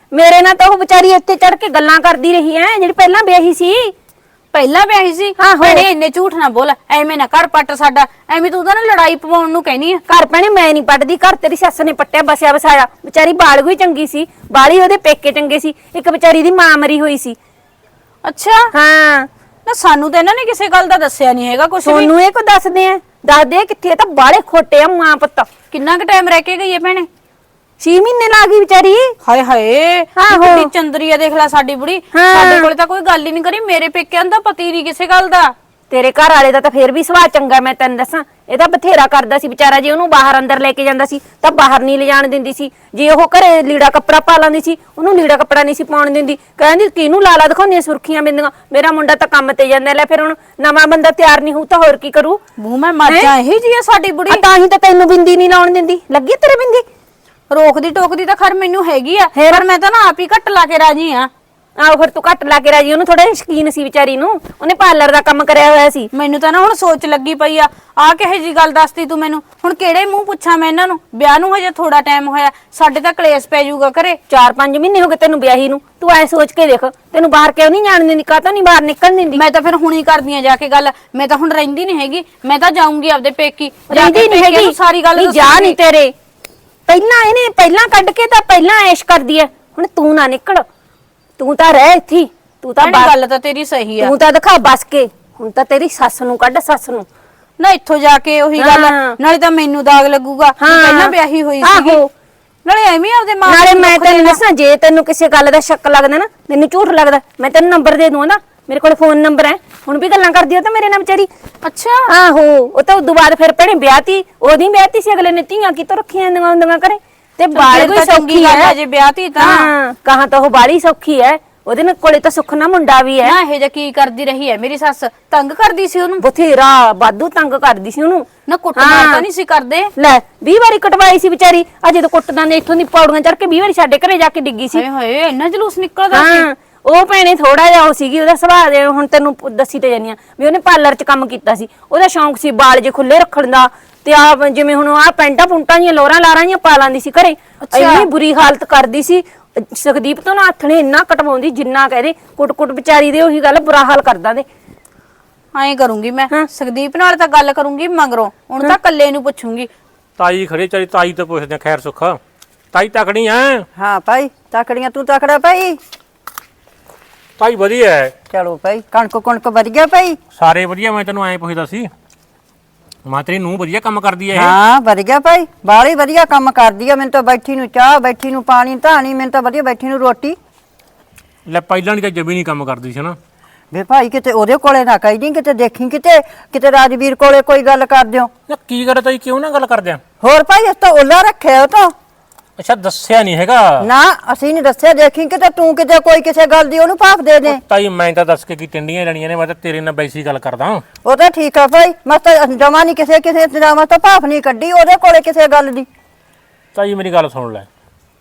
[SPEAKER 3] ਮੇਰੇ ਨਾਲ ਤਾਂ ਉਹ ਵਿਚਾਰੀ ਇੱਥੇ ਚੜ ਕੇ ਗੱਲਾਂ ਕਰਦੀ ਰਹੀ ਐ ਜਿਹੜੀ ਪਹਿਲਾਂ ਵਿਆਹੀ ਸੀ।
[SPEAKER 2] ਪਹਿਲਾਂ ਵਿਆਹੀ ਸੀ
[SPEAKER 3] ਆਹੋ।
[SPEAKER 2] ਭੈਣੇ ਇੰਨੇ ਝੂਠ ਨਾ ਬੋਲ, ਐਵੇਂ ਨਾ ਕਰ ਪੱਟ ਸਾਡਾ, ਐਵੇਂ ਤੂੰ ਤਾਂ ਨਾ ਲੜਾਈ ਪਵਾਉਣ ਨੂੰ ਕਹਿਨੀ ਆ।
[SPEAKER 3] ਘਰ ਭੈਣੇ ਮੈਂ ਨਹੀਂ ਪੱਟਦੀ, ਘਰ ਤੇਰੀ ਸੱਸ ਨੇ ਪੱਟਿਆ ਬਸਿਆ ਵਸਾਇਆ। ਵਿਚਾਰੀ ਬਾਲਗੂ ਹੀ ਚੰਗੀ ਸੀ, ਬਾਲੀ ਉਹਦੇ ਪੇਕੇ ਚੰਗੇ ਸੀ, ਇੱਕ ਵਿਚਾਰੀ ਦੀ ਮਾਂ ਮਰੀ ਹੋਈ ਸੀ।
[SPEAKER 2] ਅੱਛਾ
[SPEAKER 3] ਹਾਂ
[SPEAKER 2] ਨਾ ਸਾਨੂੰ ਤਾਂ ਇਹਨਾਂ ਨੇ ਕਿਸੇ ਗੱਲ ਦਾ ਦੱਸਿਆ ਨਹੀਂ ਹੈਗਾ ਕੁਛ ਵੀ।
[SPEAKER 3] ਸੋਨੂੰ ਇਹ ਕੋ ਦੱਸਦੇ ਆ, ਦੱਸਦੇ ਕਿੱਥੇ, ਇਹ ਤਾਂ ਬਾਲੇ ਖੋਟੇ ਆ ਮਾਂ ਪੁੱਤ।
[SPEAKER 2] ਕਿੰਨਾ ਕੁ ਟਾਈਮ ਰਹਿ ਕੇ ਗਈ ਹੈ ਭੈਣੇ?
[SPEAKER 3] 6 ਮਹੀਨੇ ਲਾ ਗਈ ਵਿਚਾਰੀ।
[SPEAKER 2] ਹਾਏ ਹਾਏ
[SPEAKER 3] ਆਹੋ।
[SPEAKER 2] ਕਿੰਨੀ ਚੰਦਰੀ ਆ, ਦੇਖ ਲੈ ਸਾਡੀ ਬੁੜੀ।
[SPEAKER 3] ਹਾਂ।
[SPEAKER 2] ਸਾਡੇ ਕੋਲੇ ਤਾਂ ਕੋਈ ਗੱਲ ਹੀ ਨਹੀਂ ਕਰੀ, ਮੇਰੇ ਪੇਕਿਆਂ ਦਾ ਪਤੀ ਨਹੀਂ ਕਿਸੇ ਗੱਲ ਦਾ।
[SPEAKER 3] ਤੇਰੇ ਘਰ ਵਾਲੇ ਦਾ ਤਾਂ ਫੇਰ ਵੀ ਸੁਭਾਅ ਚੰਗਾ, ਮੈਂ ਤੈਨੂੰ ਦੱਸਾਂ। ਇਹ ਤਾਂ ਬਥੇਰਾ ਕਰਦਾ ਸੀ ਵਿਚਾਰਾ, ਜੇ ਉਹਨੂੰ ਬਾਹਰ ਅੰਦਰ ਲੈ ਕੇ ਜਾਂਦਾ ਸੀ ਤਾਂ ਬਾਹਰ ਨਹੀਂ ਲਿਜਾਣ ਦਿੰਦੀ ਸੀ। ਜੇ ਉਹ ਘਰੇ ਲੀੜਾ ਕੱਪੜਾ ਪਾ ਲੈਂਦੀ ਸੀ, ਉਹਨੂੰ ਲੀੜਾ ਕੱਪੜਾ ਨਹੀਂ ਸੀ ਪਾਉਣ ਦਿੰਦੀ। ਕਹਿੰਦੀ ਕਿਹਨੂੰ ਲਾਲਾ ਦਿਖਾਉਂਦੀਆਂ ਸੁਰਖੀਆਂ ਬਿੰਦੀਆਂ, ਮੇਰਾ ਮੁੰਡਾ ਤਾਂ ਕੰਮ ਤੇ ਜਾਂਦਾ। ਲੈ ਫਿਰ ਹੁਣ ਨਵਾਂ ਬੰਦਾ ਤਿਆਰ ਨਹੀਂ ਹੋਊ ਤਾਂ ਹੋਰ ਕੀ ਕਰੂ?
[SPEAKER 2] ਮੂੰਹ ਮੈਂ ਮਰ ਜਾ, ਇਹੀ ਜੀ ਆ ਸਾਡੀ ਬੁੜੀ।
[SPEAKER 3] ਤਾਂ ਹੀ ਤਾਂ ਤੈਨੂੰ ਬਿੰਦੀ ਨਹੀਂ ਲਾਉਣ ਦਿੰਦੀ। ਲੱਗੀ ਤੇਰੇ ਬਿੰਦੀ?
[SPEAKER 2] ਰੋਕਦੀ ਟੋਕਦੀ ਤਾਂ ਖਰ ਮੈਨੂੰ ਹੈਗੀ ਆ, ਪਰ ਮੈਂ ਤਾਂ ਨਾ ਆਪ ਹੀ ਘੱਟ ਲਾ ਕੇ ਰਾਜੀ ਆ।
[SPEAKER 3] ਆਹੋ ਫਿਰ ਤੂੰ ਘੱਟ ਲਾ ਕੇ ਰਾਜੀ। ਉਹਨੂੰ ਥੋੜਾ ਸ਼ਕੀਨ ਸੀ ਵਿਚਾਰੀ ਨੂੰ, ਉਹਨੇ ਪਾਰਲਰ ਦਾ ਕੰਮ ਕਰਿਆ ਹੋਇਆ ਸੀ।
[SPEAKER 2] ਮੈਨੂੰ ਤਾਂ ਨਾ ਹੁਣ ਸੋਚ ਲੱਗੀ ਪਈ ਆ ਕਿਹੇ ਜੀ ਗੱਲ ਦੱਸਤੀ ਤੂੰ ਮੈਨੂੰ। ਹੁਣ ਕਿਹੜੇ ਮੂੰਹ ਪੁੱਛਾਂ ਮੈਂ ਇਹਨਾਂ ਨੂੰ? ਵਿਆਹ ਨੂੰ ਹਜੇ ਥੋੜਾ ਟਾਈਮ ਹੋਇਆ, ਸਾਡੇ ਤਾਂ ਕਲੇਸ਼ ਪੈ ਜਾਊਗਾ ਘਰੇ।
[SPEAKER 3] 4-5 ਮਹੀਨੇ ਹੋ ਗਏ ਤੈਨੂੰ ਵਿਆਹੀ ਨੂੰ। ਤੂੰ ਐ ਸੋਚ ਕੇ ਦੇਖ, ਤੈਨੂੰ ਬਾਹਰ ਕਿਉਂ ਨਹੀਂ ਜਾਣ ਦਿੰਦੀ? ਕਾਹਤੋਂ ਨਹੀਂ ਬਾਹਰ ਨਿਕਲਣ ਦਿੰਦੀ?
[SPEAKER 2] ਮੈਂ ਤਾਂ ਫਿਰ ਹੁਣੀ ਕਰਦੀ ਆ ਜਾ ਕੇ ਗੱਲ। ਮੈਂ ਤਾਂ ਹੁਣ ਰਹਿੰਦੀ ਨਹੀਂ ਹੈਗੀ, ਮੈਂ ਤਾਂ ਜਾਊਂਗੀ ਆਪਦੇ ਪੇਕੀ। ਜਾ
[SPEAKER 3] ਰਹਿੰਦੀ
[SPEAKER 2] ਕੇ
[SPEAKER 3] ਨਹੀਂ
[SPEAKER 2] ਪੇਕਿਆਂ
[SPEAKER 3] ਹੈਗੀ
[SPEAKER 2] ਨੂੰ ਸਾਰੀ ਗੱਲ
[SPEAKER 3] ਨਹੀਂ, ਜਾ
[SPEAKER 2] ਦੱਸੂੰਗੀ।
[SPEAKER 3] ਨਹੀਂ ਤੇਰੇ। ਪਹਿਲਾਂ ਕੱਢ ਕੇ ਤਾਂ ਪਹਿਲਾਂ ਐਸ਼ ਕਰਦੀ ਐ। ਹੁਣ ਤੂੰ ਨਾ ਨਿਕਲ, ਤੂੰ ਤਾਂ ਰਹਿ ਇੱਥੇ। ਤੂੰ ਤਾਂ
[SPEAKER 2] ਭੈਣੇ, ਗੱਲ ਤਾਂ ਤੇਰੀ ਸਹੀ ਆ।
[SPEAKER 3] ਤੂੰ ਤਾਂ ਦਿਖਾ ਬਸ ਕੇ। ਹੁਣ ਤਾਂ ਤੇਰੀ ਸੱਸ ਨੂੰ ਕੱਢ, ਸੱਸ ਨੂੰ।
[SPEAKER 2] ਨਾ ਇੱਥੋਂ ਜਾ ਕੇ ਉਹੀ ਗੱਲ,
[SPEAKER 3] ਹਾਂ।
[SPEAKER 2] ਨਾਲੇ ਤਾਂ ਮੈਨੂੰ ਦਾਗ ਲੱਗੂਗਾ ਵੀ
[SPEAKER 3] ਹਾਂ।
[SPEAKER 2] ਪਹਿਲਾਂ ਵਿਆਹੀ ਹੋਈ ਸੀਗੀ।
[SPEAKER 3] ਆਹੋ।
[SPEAKER 2] ਨਾਲੇ ਐਵੇਂ ਆਪਦੇ ਮਾਂ
[SPEAKER 3] ਨਾਲੇ
[SPEAKER 2] ਨੂੰ
[SPEAKER 3] ਮੈਂ
[SPEAKER 2] ਦੁੱਖ
[SPEAKER 3] ਤੈਨੂੰ
[SPEAKER 2] ਦੇਣਾ।
[SPEAKER 3] ਦੱਸਾਂ, ਜੇ ਤੈਨੂੰ ਕਿਸੇ ਗੱਲ ਦਾ ਸ਼ੱਕ ਲੱਗਦਾ ਨਾ, ਮੈਨੂੰ ਝੂਠ ਲੱਗਦਾ, ਮੈਂ ਤੈਨੂੰ ਨੰਬਰ ਦੇ ਦੂੰ ਨਾ। ਮੇਰੇ ਕੋਲ ਫੋਨ ਨੰਬਰ ਹੈ। ਹੁਣ ਵੀ ਗੱਲਾਂ ਕਰਦੀ ਉਹ ਤਾਂ ਮੇਰੇ ਨਾਲ ਵਿਚਾਰੀ।
[SPEAKER 2] ਅੱਛਾ
[SPEAKER 3] ਆਹੋ, ਉਹ ਤਾਂ ਉਦੋਂ ਬਾਅਦ ਫਿਰ ਭੈਣੇ ਵਿਆਹਤੀ। ਉਹਦੀ ਵਿਆਹਤੀ ਸੀ, ਅਗਲੇ ਨੇ ਧੀਆਂ ਕਿਤੋਂ ਰੱਖੀਆਂ ਹੁੰਦੀਆਂ ਕਰੇ। ਤੇ ਬਾਲ
[SPEAKER 2] ਫਿਰ
[SPEAKER 3] ਕੋਈ
[SPEAKER 2] ਤਾਂ ਚੰਗੀ
[SPEAKER 3] ਸੌਖੀ
[SPEAKER 2] ਗੱਲ
[SPEAKER 3] ਹੈ
[SPEAKER 2] ਹੈ ਜੇ ਵਿਆਹਤੀ ਤਾਂ।
[SPEAKER 3] ਹਾਂ, ਕਹਾਂ ਤਾਂ ਉਹ ਬਾਲੀ ਸੌਖੀ ਹੈ। ਉਹਦੇ ਨਾਲ ਕੋਲੇ ਤਾਂ ਸੁੱਖ ਨਾ ਮੁੰਡਾ ਵੀ ਹੈ।
[SPEAKER 2] ਨਾ ਇਹ ਜਿਹਾ ਕੀ ਕਰਦੀ ਰਹੀ ਹੈ ਮੇਰੀ ਸੱਸ? ਤੰਗ ਕਰਦੀ ਸੀ ਉਹਨੂੰ?
[SPEAKER 3] ਬਥੇਰਾ ਵਾਧੂ ਤੰਗ ਕਰਦੀ ਸੀ ਉਹਨੂੰ।
[SPEAKER 2] ਨਾ ਕੁੱਟਮਾਰ ਤਾਂ ਨਹੀਂ ਸੀ ਕਰਦੇ?
[SPEAKER 3] ਲੈ 20 ਵਾਰੀ ਕਟਵਾਈ ਸੀ ਵਿਚਾਰੀ। ਅਜੇ ਤਾਂ ਕੁੱਟਦਾਂ ਨੇ ਇੱਥੋਂ ਦੀ ਪੌੜੀਆਂ ਚੜ ਕੇ 20 ਵਾਰੀ ਸਾਡੇ ਘਰੇ ਜਾ ਕੇ ਡਿੱਗੀ ਸੀ।
[SPEAKER 2] ਹਾਏ ਹਾਏ ਇੰਨਾ ਜਲੂਸ ਨਿਕਲਦਾ ਸੀ?
[SPEAKER 3] ਹਾਂ, ਉਹ ਭੈਣੇ ਥੋੜਾ ਜਿਹਾ ਉਹ ਸੀਗੀ, ਉਹਦਾ ਸੁਭਾਅ ਦੇ। ਹੁਣ ਤੈਨੂੰ ਦੱਸੀ ਤੇ ਜਾਨੀ ਆ ਵੀ ਉਹਨੇ ਪਾਰਲਰ 'ਚ ਕੰਮ ਕੀਤਾ ਸੀ। ਉਹਦਾ ਸ਼ੌਂਕ ਸੀ ਬਾਲ ਜੇ ਖੁੱਲੇ ਰੱਖਣ ਦਾ। ਤੇ ਆ ਜਿਵੇਂ ਹੁਣ ਆ ਪੈਂਟਾਂ ਪੁੰਟਾਂ ਦੀਆਂ ਲੋਰਾਂ ਲਾਰਾਂ ਦੀਆਂ ਪਾ ਲਾਂਦੀ ਸੀ ਘਰੇ। ਇੰਨੀ ਬੁਰੀ ਹਾਲਤ ਕਰਦੀ ਸੀ। ਸੁਖਦੀਪ ਤੋਂ ਨਾ ਹੱਥ ਨੇ ਇੰਨਾ ਕਟਵਾਉਂਦੀ ਜਿੰਨਾ ਕਹਦੇ। ਕੁੱਟ ਵਿਚਾਰੀ ਦੇ ਉਹੀ ਗੱਲ ਬੁਰਾ ਹਾਲ ਕਰਦਾ ਦੇ।
[SPEAKER 2] ਐਂ ਕਰੂੰਗੀ ਮੈਂ, ਸੁਖਦੀਪ ਨਾਲ ਤਾਂ ਗੱਲ ਕਰੂੰਗੀ ਮਗਰੋਂ। ਹੁਣ ਤਾਂ ਕੱਲੇ ਨੂੰ ਪੁੱਛੂੰਗੀ।
[SPEAKER 4] ਤਾਈ ਖੜੇ ਚਾਰੀ ਤਾਈ ਤੋਂ ਪੁੱਛਦੇ ਆ ਖੈਰ ਸੁੱਖ। ਤਾਈ ਤਕੜੀ ਐ?
[SPEAKER 1] ਹਾਂ ਭਾਈ ਤਕੜੀਆਂ, ਤੂੰ ਤਕੜਾ ਭਾਈ।
[SPEAKER 4] ਤਾਈ ਵਧੀਆ ਐ।
[SPEAKER 1] ਚਲੋ ਭਾਈ, ਕਣਕ ਵਧੀਆ ਭਾਈ।
[SPEAKER 4] ਸਾਰੇ ਵਧੀਆ। ਮੈਂ ਤੈਨੂੰ ਐਂ ਪੁੱਛਦਾ ਸੀ, ਮਾਂ ਤੇਰੀ ਨੂੰਹ ਵਧੀਆ ਕੰਮ ਕਰਦੀ ਐ ਇਹ?
[SPEAKER 1] ਹਾਂ ਵਧੀਆ ਭਾਈ, ਬਾਹਲੀ ਵਧੀਆ ਕੰਮ ਕਰਦੀ ਆ। ਮੈਨੂੰ ਤਾਂ ਬੈਠੀ ਨੂੰ ਚਾਹ, ਬੈਠੀ ਨੂੰ ਪਾਣੀ ਧਾਣੀ, ਮੈਨੂੰ ਤਾਂ ਵਧੀਆ ਬੈਠੀ ਨੂੰ ਰੋਟੀ।
[SPEAKER 4] ਲੈ ਪਹਿਲਾਂ ਨਹੀਂ ਤਾਂ ਜਮੀ ਨਹੀਂ ਕੰਮ ਕਰਦੀ ਸੀ ਨਾ।
[SPEAKER 1] ਵੇ ਭਾਈ ਕਿਤੇ ਉਹਦੇ ਕੋਲੇ ਨਾ ਕਹੀ ਦੀ, ਕਿਤੇ ਦੇਖੀ ਕਿਤੇ ਰਾਜਵੀਰ ਕੋਲੇ ਕੋਈ ਗੱਲ ਕਰ ਦਿਓ।
[SPEAKER 4] ਨਾ ਕੀ ਕਰ ਤਾਈ, ਕਿਉਂ ਨਾ ਗੱਲ ਕਰਦੇ ਆ?
[SPEAKER 1] ਹੋਰ ਭਾਈ ਇਸ ਤਾਂ ਓਲਾ ਰੱਖਿਆ ਉਹ ਤਾਂ।
[SPEAKER 4] ਅੱਛਾ ਦੱਸਿਆ ਨਹੀਂ ਹੈਗਾ?
[SPEAKER 1] ਨਾ ਅਸੀਂ ਨਹੀਂ ਦੱਸਿਆ। ਦੇਖੀ ਕਿਤੇ ਤੂੰ ਕਿਤੇ ਕੋਈ ਕਿਸੇ ਗੱਲ ਦੀ ਉਹਨੂੰ ਭਾਫ ਦੇ ਦੇ।
[SPEAKER 4] ਤਾਈ ਮੈਂ ਤਾਂ ਦੱਸ ਕੇ ਕੀ ਟਿੰਡੀਆਂ ਲੈਣੀਆਂ ਨੇ, ਮੈਂ ਤਾਂ ਤੇਰੇ ਨਾਲ ਬੈਸੀ ਗੱਲ ਕਰਦਾ।
[SPEAKER 1] ਉਹ ਤਾਂ ਠੀਕ ਆ ਭਾਈ, ਮੈਂ ਤਾਂ ਜਮਾ ਨਹੀਂ ਕਿਸੇ ਇੰਤਜ਼ਾਮਾਂ ਤੋਂ ਭਾਫ ਨਹੀਂ ਕੱਢੀ ਉਹਦੇ ਕੋਲੇ ਕਿਸੇ ਗੱਲ ਦੀ।
[SPEAKER 4] ਤਾਈ ਮੇਰੀ ਗੱਲ ਸੁਣ ਲੈ,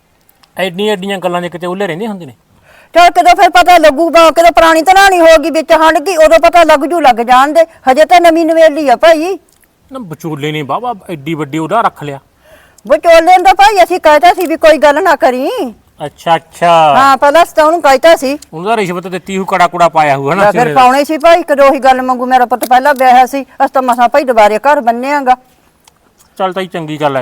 [SPEAKER 4] ਐਡੀਆਂ ਗੱਲਾਂ ਦੇ ਕਿਤੇ ਉੱਲੇ ਰਹਿੰਦੇ ਹੁੰਦੇ ਨੇ।
[SPEAKER 1] ਚਲ ਕਦੋਂ ਫਿਰ ਪਤਾ ਲੱਗੂਗਾ, ਕਦੋਂ ਪੁਰਾਣੀ ਤਰਾਣੀ ਹੋਗੀ ਵਿੱਚ ਹੰਡ ਗਈ, ਉਦੋਂ ਪਤਾ ਲੱਗ ਜਾਣ ਦੇ। ਹਜੇ ਤਾਂ ਨਵੀਂ ਨਵੇਲੀ ਆ ਭਾਈ।
[SPEAKER 4] ਨਾ ਵਿਚੋਲੇ ਨੇ ਬਾਬਾ ਐਡੀ ਵੱਡੀ ਉਹਦਾ ਰੱਖ ਲਿਆ।
[SPEAKER 1] ਵਿਚੋਲੇ ਦਾ ਭਾਈ ਅਸੀਂ ਕਹਿਤਾ ਸੀ ਵੀ ਕੋਈ ਗੱਲ ਨਾ ਕਰੀ।
[SPEAKER 4] ਅੱਛਾ
[SPEAKER 1] ਹਾਂ ਪਹਿਲਾਂ ਤਾਂ ਉਹਨੂੰ ਕਹਿਤਾ ਸੀ।
[SPEAKER 4] ਉਹਦਾ ਰਿਸ਼ਵਤ ਦਿੱਤੀ ਹੂ, ਕੜਾ ਕੁੜਾ ਪਾਇਆ ਹੂ ਹਨਾ।
[SPEAKER 1] ਫਿਰ ਪਾਉਣੇ ਸੀ ਭਾਈ, ਕਦੋਂ ਉਹੀ ਗੱਲ ਮੰਗੂ। ਮੇਰਾ ਪੁੱਤ ਪਹਿਲਾਂ ਵਿਆਹਿਆ ਸੀ, ਅਸ ਤਾਂ ਮਸਾਂ ਭਾਈ ਦੁਬਾਰੇ ਘਰ ਬੰਨਿਆਗਾ।
[SPEAKER 4] ਚੱਲ ਤਾਈ ਚੰਗੀ ਗੱਲ ਐ,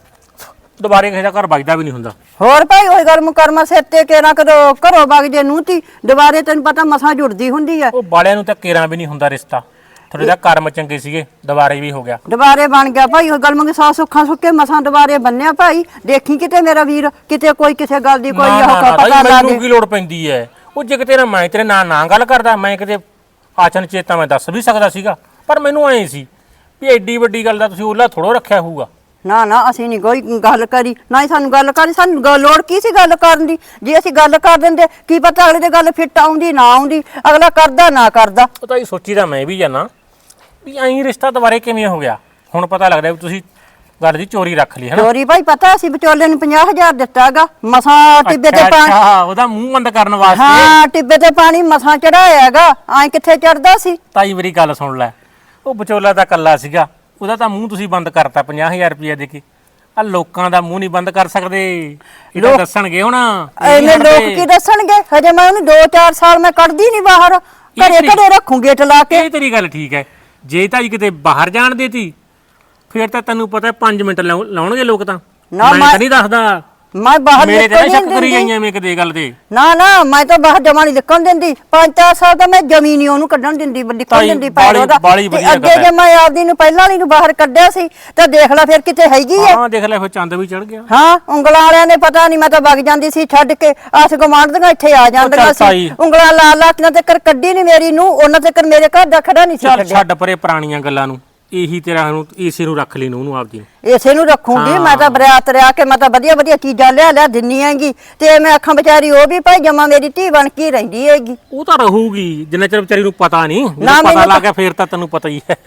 [SPEAKER 4] ਦੁਬਾਰੇ ਕਿਸੇ ਦਾ ਘਰ ਵਜਦਾ ਵੀ ਨਹੀਂ ਹੁੰਦਾ।
[SPEAKER 1] ਹੋਰ ਭਾਈ ਉਹੀ ਗੱਲ ਮੁਕਰਮਾ ਸਿਰ ਤੇ ਕੇਰਾ ਕਦੋਂ ਘਰੋਂ ਵਗ ਜੇ ਨੂੰ ਤੀ ਦੁਬਾਰੇ ਤੈਨੂੰ ਪਤਾ ਮਸਾਂ ਜੁੜਦੀ ਹੁੰਦੀ ਐ।
[SPEAKER 4] ਉਹ ਬਾਲਿਆਂ ਨੂੰ ਤਾਂ ਕੇਰਾਂ ਵੀ ਨਹੀਂ ਹੁੰਦਾ ਰਿਸ਼ਤਾ। ਥੋੜੇ ਜਿਹਾ ਕਰਮ ਚੰਗੇ ਸੀਗੇ, ਦੁਬਾਰੇ ਵੀ ਹੋ ਗਿਆ।
[SPEAKER 1] ਦੁਬਾਰੇ ਬਣ ਗਿਆ ਭਾਈ ਉਹ ਗੱਲ ਮੰਗੇ। ਸਾਹ ਸੁੱਖਾਂ ਸੁੱਕੇ ਮਸਾਂ ਦੁਬਾਰੇ ਬੰਨਿਆ ਭਾਈ। ਦੇਖੀ ਕਿਤੇ ਮੇਰਾ ਵੀਰ ਕਿਤੇ ਕੋਈ ਕਿਸੇ ਗੱਲ ਦੀ ਕੋਈ
[SPEAKER 4] ਨਾ,
[SPEAKER 1] ਉਹ
[SPEAKER 4] ਨਾ, ਨਾ,
[SPEAKER 1] ਪਤਾ ਲਾ
[SPEAKER 4] ਮੈਨੂੰ
[SPEAKER 1] ਦੇ।
[SPEAKER 4] ਕੀ ਲੋੜ ਪੈਂਦੀ ਐ? ਉਹ ਜੇ ਕਿਤੇ ਮੈਂ ਤੇਰੇ ਨਾਲ ਗੱਲ ਕਰਦਾ, ਮੈਂ ਕਿਤੇ ਆਚਨ ਚੇਤਾ ਮੈਂ ਦੱਸ ਵੀ ਸਕਦਾ ਸੀਗਾ। ਪਰ ਮੈਨੂੰ ਐਂ ਸੀ ਵੀ ਐਡੀ ਵੱਡੀ ਗੱਲ ਦਾ ਤੁਸੀਂ ਉਹਲਾ ਥੋੜੋ ਰੱਖਿਆ ਹੋਊਗਾ।
[SPEAKER 1] ਨਾ ਅਸੀਂ ਨਹੀਂ ਕੋਈ ਗੱਲ ਕਰੀ, ਨਾ ਹੀ ਸਾਨੂੰ ਗੱਲ ਕਰੀ। ਸਾਨੂੰ ਲੋੜ ਕੀ ਸੀ ਗੱਲ ਕਰਨ ਦੀ? ਜੇ ਅਸੀਂ ਗੱਲ ਕਰ ਦਿੰਦੇ ਕੀ ਪਤਾ ਅਗਲੇ ਦੀ ਗੱਲ ਫਿੱਟ ਆਉਂਦੀ ਨਾ ਆਉਂਦੀ, ਅਗਲਾ ਕਰਦਾ ਨਾ ਕਰਦਾ।
[SPEAKER 4] ਉਹ ਤਾਂ ਇਹ ਸੋਚੀ ਤਾਂ ਮੈਂ ਵੀ ਜਾਣਾ ਵੀ ਐਂ ਰਿਸ਼ਤਾ ਦੁਬਾਰੇ ਕਿਵੇਂ ਹੋ ਗਿਆ। ਹੁਣ ਪਤਾ ਲੱਗਦਾ ਵੀ ਤੁਸੀਂ ਗੱਲ ਦੀ ਚੋਰੀ ਰੱਖ ਲਈ ਹਨਾ।
[SPEAKER 1] ਚੋਰੀ ਭਾਈ ਪਤਾ ਅਸੀਂ ਵਿਚੋਲੇ ਨੂੰ 50,000 ਦਿੱਤਾਗਾ ਮਸਾਂ ਟਿੱਬੇ ਤੇ ਪਾਣੀ।
[SPEAKER 4] ਅੱਛਾ ਉਹਦਾ ਮੂੰਹ ਬੰਦ ਕਰਨ ਵਾਸਤੇ।
[SPEAKER 1] ਹਾਂ ਟਿੱਬੇ ਤੇ ਪਾਣੀ ਮਸਾਂ ਚੜਾਇਆਗਾ। ਐ ਕਿੱਥੇ ਚੜਦਾ ਸੀ?
[SPEAKER 4] ਤਾਈ ਮੇਰੀ ਗੱਲ ਸੁਣ ਲੈ, ਉਹ ਵਿਚੋਲਾ ਤਾਂ ਕੱਲਾ ਸੀਗਾ, ਉਹਦਾ ਤਾਂ ਮੂੰਹ ਤੁਸੀਂ ਬੰਦ ਕਰਤਾ 50,000 ਰੁਪਇਆ ਦੇ ਕੇ। ਆ ਲੋਕਾਂ ਦਾ ਮੂੰਹ ਨਹੀਂ ਬੰਦ ਕਰ ਸਕਦੇ, ਇਹ ਤਾਂ ਦੱਸਣਗੇ ਹੁਣ।
[SPEAKER 1] ਐਨੇ ਲੋਕ ਕੀ ਦੱਸਣਗੇ? ਹਜੇ ਮੈਂ ਉਹਨੂੰ 2-4 ਸਾਲ ਮੈਂ ਕੱਢਦੀ ਨਹੀਂ ਬਾਹਰ, ਘਰੇ ਘਰੇ ਰੱਖੂ ਗੇਟ ਲਾ ਕੇ।
[SPEAKER 4] ਇਹ ਤੇਰੀ ਗੱਲ ਠੀਕ ਹੈ, ਜੇ ਤਾਂ ਕਿਤੇ ਬਾਹਰ ਜਾਣ ਦੇਤੀ ਫਿਰ ਤਾਂ ਤੈਨੂੰ ਪਤਾ 5 ਮਿੰਟ ਲਾਉਣਗੇ ਲੋਕ ਤਾਂ।
[SPEAKER 1] ਨਾ,
[SPEAKER 4] ਮੈਂ ਤਾਂ ਨਹੀਂ ਦੱਸਦਾ,
[SPEAKER 1] ਮੈਂ ਬਾਹਰ
[SPEAKER 4] ਮੇਰੇ ਤੇ
[SPEAKER 1] ਨਿਕਲ
[SPEAKER 4] ਸ਼ੱਕ
[SPEAKER 1] ਨਹੀਂ
[SPEAKER 4] ਕਰੀ
[SPEAKER 1] ਦਿੰਦੀ।
[SPEAKER 4] ਜਾਈਆਂ ਮੈਂ ਕਿਤੇ ਗੱਲ ਤੇ।
[SPEAKER 1] ਨਾ ਮੈਂ ਤਾਂ ਬਾਹਰ ਜਮਾ ਨਹੀਂ ਨਿਕਲਣ ਦਿੰਦੀ। 5-4 ਸਾਲ ਤਾਂ ਮੈਂ ਜ਼ਮੀਨ ਨਹੀਂ ਉਹਨੂੰ ਕੱਢਣ ਦਿੰਦੀ, ਨਿਕਲਣ
[SPEAKER 4] ਤਾਈ,
[SPEAKER 1] ਦਿੰਦੀ ਪੈਰ ਉਹਦਾ।
[SPEAKER 4] ਬਾਹਲੀ
[SPEAKER 1] ਤੇ
[SPEAKER 4] ਵਧੀਆ
[SPEAKER 1] ਅੱਗੇ
[SPEAKER 4] ਗੱਲ
[SPEAKER 1] ਜੇ ਮੈਂ ਆਪਦੀ ਨੂੰ ਪਹਿਲਾਂ ਵਾਲੀ ਨੂੰ ਬਾਹਰ ਕੱਢਿਆ ਸੀ ਤਾਂ ਦੇਖ ਲੈ ਫਿਰ ਕਿਤੇ ਹੈਗੀ ਹੈ।
[SPEAKER 4] ਹਾਂ ਦੇਖ ਲੈ, ਫਿਰ ਚੰਦ ਵੀ ਚੜ ਗਿਆ।
[SPEAKER 1] ਹਾਂ, ਉਂਗਲਾਂ ਵਾਲਿਆਂ ਨੇ ਪਤਾ ਨਹੀਂ, ਮੈਂ ਤਾਂ ਵਗ ਜਾਂਦੀ ਸੀ ਛੱਡ ਕੇ, ਆਸ ਗੁਆਂਢ ਦੀਆਂ ਇੱਥੇ ਆ ਜਾਂਦੀਆਂ
[SPEAKER 4] ਚੱਲ
[SPEAKER 1] ਸੀ,
[SPEAKER 4] ਤਾਈ।
[SPEAKER 1] ਉਂਗਲਾਂ ਲਾ ਲਾ ਕੇ ਤੱਕ ਕੱਢੀ ਨਹੀਂ ਮੇਰੀ ਨੂੰ, ਉਹਨਾਂ ਤੱਕ ਮੇਰੇ ਘਰ ਦਾ ਖੜਾ ਨਹੀਂ ਸੀ
[SPEAKER 4] ਚੱਲ
[SPEAKER 1] ਛੱਡਿਆ।
[SPEAKER 4] ਛੱਡ ਪਰੇ ਪੁਰਾਣੀਆਂ ਗੱਲਾਂ ਨੂੰ, ਇਹੀ ਤੇਰਾ ਨੂੰ ਇਸੇ ਨੂੰ ਰੱਖ ਲਈ ਨੂੰ ਉਹਨੂੰ ਆਪਦੀ ਨੂੰ।
[SPEAKER 1] ਇਸੇ ਨੂੰ ਰੱਖੂੰਗੀ ਮੈਂ ਤਾਂ, ਬਰਾਤ ਰਿਆ ਕੇ ਮੈਂ ਤਾਂ ਵਧੀਆ ਵਧੀਆ ਚੀਜ਼ਾਂ ਲਿਆ ਦਿੰਨੀ ਹੈਗੀ, ਤੇ ਮੈਂ ਅੱਖਾਂ ਵਿਚਾਰੀ ਉਹ ਵੀ ਭਾਈ ਜਮਾ ਮੇਰੀ ਧੀ ਬਣ ਕੇ ਰਹਿੰਦੀ ਹੈਗੀ।
[SPEAKER 4] ਉਹ ਤਾਂ ਰਹੂਗੀ ਜਿੰਨਾ ਚਿਰ ਵਿਚਾਰੀ ਨੂੰ ਪਤਾ ਨਹੀਂ,
[SPEAKER 1] ਨਾ,
[SPEAKER 4] ਜਦੋਂ ਪਤਾ
[SPEAKER 1] ਮੈਨੂੰ
[SPEAKER 4] ਲੱਗ ਗਿਆ ਫਿਰ ਤਾਂ ਤੈਨੂੰ ਪਤਾ ਹੀ ਹੈ।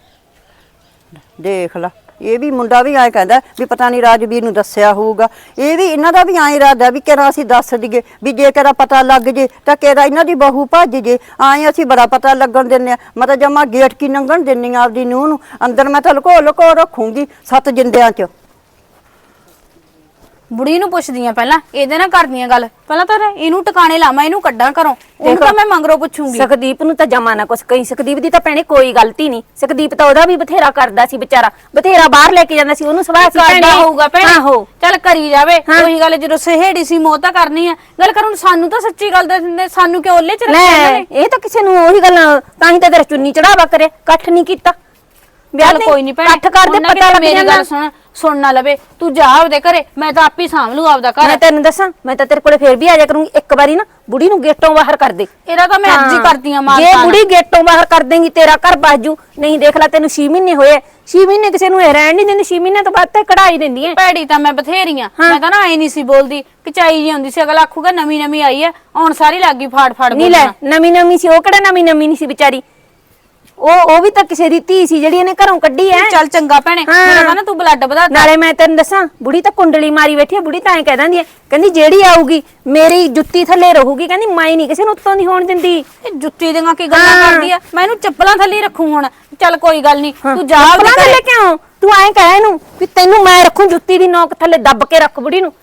[SPEAKER 1] ਦੇਖ ਲਾ, ਇਹ ਵੀ ਮੁੰਡਾ ਵੀ ਐਂ ਕਹਿੰਦਾ ਵੀ ਪਤਾ ਨਹੀਂ ਰਾਜਵੀਰ ਨੂੰ ਦੱਸਿਆ ਹੋਊਗਾ। ਇਹ ਵੀ ਇਹਨਾਂ ਦਾ ਵੀ ਐਂ ਇਰਾਦਾ ਵੀ ਕਿਹੜਾ ਅਸੀਂ ਦੱਸ ਦਈਏ, ਵੀ ਜੇ ਕਿਹੜਾ ਪਤਾ ਲੱਗ ਜੇ ਤਾਂ ਕਿਹੜਾ ਇਹਨਾਂ ਦੀ ਬਹੂ ਭੱਜ ਜੇ। ਐਂ ਅਸੀਂ ਬੜਾ ਪਤਾ ਲੱਗਣ ਦਿੰਨੇ ਆ। ਮੈਂ ਤਾਂ ਜਮਾ ਗੇਟ ਕੀ ਲੰਘਣ ਦਿੰਨੀ ਆ ਆਪਦੀ ਨੂੰਹ ਨੂੰ, ਅੰਦਰ ਮੈਂ ਤਾਂ ਲੁਕੋ ਲੁਕੋ ਰੱਖੂੰਗੀ 7 ਜਿੰਦਿਆਂ 'ਚ।
[SPEAKER 2] ਬੁੜੀ ਨੂੰ ਪੁੱਛਦੀਆਂ ਪਹਿਲਾਂ, ਇਹਦੇ ਨਾਲ ਕਰਦੀਆਂ ਗੱਲ। ਪਹਿਲਾਂ ਤਾਂ ਇਹਨੂੰ ਟਿਕਾਣੇ ਲਾਵਾਂ, ਇਹਨੂੰ ਕੱਢਾਂ ਘਰੋਂ, ਉਹਨੂੰ ਤਾਂ ਮੈਂ ਮੰਗਰੋਂ ਪੁੱਛੂੰਗੀ।
[SPEAKER 3] ਸਕਦੀਪ ਨੂੰ ਤਾਂ ਜਮਾ ਨਾ ਕੁਛ ਕਹੀ। ਸਕਦੀਪ ਦੀ ਤਾਂ ਭੈਣੇ ਕੋਈ ਗਲਤੀ ਨਹੀਂ। ਸਕਦੀਪ ਤਾਂ ਉਹਦਾ ਵੀ ਬਥੇਰਾ ਕਰਦਾ ਸੀ ਵਿਚਾਰਾ, ਬਥੇਰਾ ਬਾਹਰ ਲੈ ਕੇ ਜਾਂਦਾ ਸੀ ਉਹਨੂੰ। ਸਵਾਹ ਸੀ
[SPEAKER 2] ਕਰਦਾ ਹੋਊਗਾ ਭੈਣੇ।
[SPEAKER 3] ਆਹੋ,
[SPEAKER 2] ਚੱਲ ਕਰੀ ਜਾਵੇ। ਉਹੀ ਗੱਲ, ਜਦੋਂ ਸਹੇੜੀ ਸੀ ਮੋਹ ਤਾਂ ਕਰਨੀ ਆ। ਗੱਲ ਕਰ ਹੁਣ, ਸਾਨੂੰ ਤਾਂ ਸੱਚੀ ਗੱਲ ਦੱਸ ਦਿੰਦੇ, ਸਾਨੂੰ ਕਿਉਂ ਓਲੇ ਚ ਰੱਖਿਆ
[SPEAKER 3] ਲੈ ਇਹ ਤਾਂ ਕਿਸੇ ਨੂੰ ਉਹੀ ਗੱਲਾਂ, ਤਾਂ ਹੀ ਤਾਂ ਤੇਰਾ ਚੁੰਨੀ ਚੜਾਵਾ ਕਰੇ, ਇਕੱਠ ਨਹੀਂ ਕੀਤਾ।
[SPEAKER 2] ਚੱਲ ਕੋਈ ਨਹੀਂ ਭੈਣੇ,
[SPEAKER 3] ਇਕੱਠ ਕਰਦੇ
[SPEAKER 2] ਉਹਨਾਂ
[SPEAKER 3] ਪਤਾ ਲੱਗ
[SPEAKER 2] ਮੇਰੀ
[SPEAKER 3] ਜਾਂਦਾ।
[SPEAKER 2] ਗੱਲ ਸੁਣ ਨਾ ਲਵੇ, ਤੂੰ ਜਾ ਉਹਦੇ ਘਰੇ, ਮੈਂ ਤਾਂ ਆਪੇ ਸਾਂਭ ਲੂ ਆਪਦਾ ਘਰ।
[SPEAKER 3] ਮੈਂ ਤੈਨੂੰ ਦੱਸਾਂ, ਮੈਂ ਤਾਂ ਤੇਰੇ ਕੋਲੇ ਫੇਰ ਵੀ ਆ ਜਾ ਕਰੂੰਗੀ। ਇੱਕ ਵਾਰੀ ਨਾ ਬੁੜੀ ਨੂੰ ਗੇਟੋਂ ਬਾਹਰ ਕਰ ਦੇ।
[SPEAKER 2] ਇਹਦਾ ਤਾਂ ਮੈਂ ਅੱਜ ਹੀ ਕਰਦੀ ਆ ਮਾਰ।
[SPEAKER 3] ਜੇ ਬੁੜੀ ਗੇਟੋਂ ਬਾਹਰ ਕਰ ਦੇਂਗੀ ਤੇਰਾ ਘਰ ਬਾਜੂ। ਨਹੀਂ ਦੇਖ ਲੈ, ਤੈਨੂੰ 6 ਮਹੀਨੇ ਹੋਏ, 6 ਮਹੀਨੇ ਕਿਸੇ ਨੂੰ ਇਹ ਰਹਿਣ ਨਹੀਂ ਦਿੰਦੀ। 6 ਮਹੀਨੇ ਤੋਂ ਬਾਅਦ ਤੇ ਕਢਾਈ ਦਿੰਦੀ ਐ।
[SPEAKER 2] ਭੈੜੀ ਤਾਂ ਮੈਂ ਬਥੇਰੀਆਂ, ਮੈਂ ਤਾਂ ਨਾ ਐ ਨਹੀਂ ਸੀ ਬੋਲਦੀ, ਕਿਚਾਈ ਜੀ ਹੁੰਦੀ ਸੀ। ਅਗਲਾ ਆਖੂਗਾ ਨਵੀਂ ਨਵੀਂ ਆਈ ਐ, ਹੁਣ ਸਾਰੀ ਲੱਗੀ ਫਾੜ ਫਾੜ
[SPEAKER 3] ਨਹੀਂ ਲੈ, ਨਵੀਂ ਨਵੀਂ ਸੀ ਉਹ, ਕਿਹੜਾ ਨਵੀਂ ਨਵੀਂ ਨਹੀਂ ਸੀ ਵਿਚਾਰੀ। ਉਹ ਵੀ ਤਾਂ ਕਿਸੇ ਦੀ ਧੀ ਸੀ ਜਿਹੜੀ ਇਹਨੇ ਘਰੋਂ ਕੱਢੀ ਐ।
[SPEAKER 2] ਚੱਲ ਚੰਗਾ ਭੈਣੇ, ਮੇਰਾ ਤਾਂ ਨਾ ਤੂੰ ਬਲੱਡ ਵਧਾ।
[SPEAKER 3] ਨਾਲੇ ਮੈਂ ਤੈਨੂੰ ਦੱਸਾਂ, ਬੁੜੀ ਤਾਂ ਕੁੰਡਲੀ ਮਾਰੀ ਬੈਠੀ ਐ। ਬੁੜੀ ਤਾਂ ਐ ਕਹਿ ਦਿੰਦੀ ਐ, ਕਹਿੰਦੀ ਜਿਹੜੀ ਆਊਗੀ ਮੇਰੀ ਜੁੱਤੀ ਥੱਲੇ ਰਹੂਗੀ। ਕਹਿੰਦੀ ਮੈਂ ਨਹੀਂ ਕਿਸੇ ਨੂੰ ਉੱਤੋਂ ਦੀ ਹੋਣ ਦਿੰਦੀ।
[SPEAKER 2] ਇਹ ਜੁੱਤੀ ਦੀਆਂ ਕੀ ਗੱਲਾਂ ਕਰਦੀ ਆ? ਮੈਂ ਇਹਨੂੰ ਚੱਪਲਾਂ ਥੱਲੇ ਰੱਖੂ ਹੁਣ। ਚੱਲ ਕੋਈ ਗੱਲ ਨਹੀਂ, ਤੂੰ ਜਾ
[SPEAKER 3] ਚੱਪਲਾਂ ਥੱਲੇ ਕਿਉਂ? ਤੂੰ ਐਂ ਕਹਿ ਇਹਨੂੰ ਵੀ ਤੈਨੂੰ ਮੈਂ ਰੱਖੂ ਜੁੱਤੀ ਦੀ ਨੋਕ ਥੱਲੇ ਦੱਬ ਕੇ ਰੱਖ ਬੁੜੀ ਨੂੰ।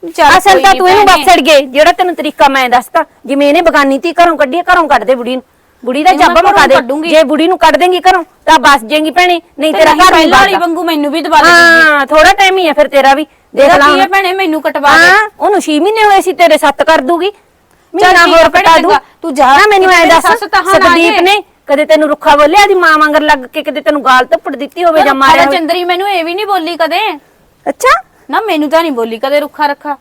[SPEAKER 3] ਅਸਲ ਤਾਂ ਤੂੰ ਇਹਨੂੰ ਬਸ ਛੜ ਗਏ, ਜਿਹੜਾ ਤੈਨੂੰ ਤਰੀਕਾ ਮੈਂ ਦੱਸਤਾ। ਜਿਵੇਂ ਇਹਨੇ ਬਗਾਨੀ ਧੀ ਘਰੋਂ ਕੱਢੀ ਐ, ਘਰੋਂ ਕੱਢ ਦੇ ਬੁੜੀ ਨੂੰ। ਬੁੜੀ ਦਾ ਜੱਬ ਮਕਾ ਦੇ। ਜੇ ਬੁੜੀ ਨੂੰ ਕੱਢ ਦੇਂਗੀ ਘਰੋਂ ਤਾਂ ਬਸ ਜਾਏਗੀ ਭੈਣੇ, ਨਹੀਂ ਤੇਰਾ ਘਰ
[SPEAKER 2] ਪਹਿਲਾਂ ਵਾਲੀ ਵਾਂਗੂ ਮੈਨੂੰ ਵੀ ਦਬਾ ਦੇ।
[SPEAKER 3] ਹਾਂ, ਥੋੜਾ ਟਾਈਮ ਹੀ ਆ ਫਿਰ ਤੇਰਾ ਵੀ। ਦੇਖ ਲਾ
[SPEAKER 2] ਕੀ ਭੈਣੇ, ਮੈਨੂੰ ਕਟਵਾ ਦੇ।
[SPEAKER 3] ਉਹਨੂੰ 6 ਮਹੀਨੇ ਹੋਏ ਸੀ, ਤੇਰੇ 7 ਕਰ ਦੂਗੀ। ਮਹੀਨਾ ਹੋਰ ਕਟਾ ਦੂ।
[SPEAKER 2] ਤੂੰ ਜਾ,
[SPEAKER 3] ਮੈਨੂੰ ਐ ਦੱਸ,
[SPEAKER 2] ਸਕਦੀਪ
[SPEAKER 3] ਸਕਦੀਪ ਨੇ ਕਦੇ ਤੈਨੂੰ ਰੁੱਖਾ ਬੋਲਿਆ? ਦੀ ਮਾਂ ਵਾਂਗਰ ਲੱਗ ਕੇ ਕਦੇ ਤੈਨੂੰ ਗਾਲ ਧੱਪੜ ਦਿੱਤੀ ਹੋਵੇ ਜਾਂ ਮਾਰਿਆ ਹੋਵੇ?
[SPEAKER 2] ਚੰਦਰੀ ਮੈਨੂੰ ਇਹ ਵੀ ਨਹੀਂ ਬੋਲੀ ਕਦੇ।
[SPEAKER 3] ਅੱਛਾ,
[SPEAKER 2] ਨਾ ਮੈਨੂੰ ਤਾਂ ਨਹੀਂ ਬੋਲੀ ਕਦੇ ਰੁੱਖਾ ਰੱਖਾ।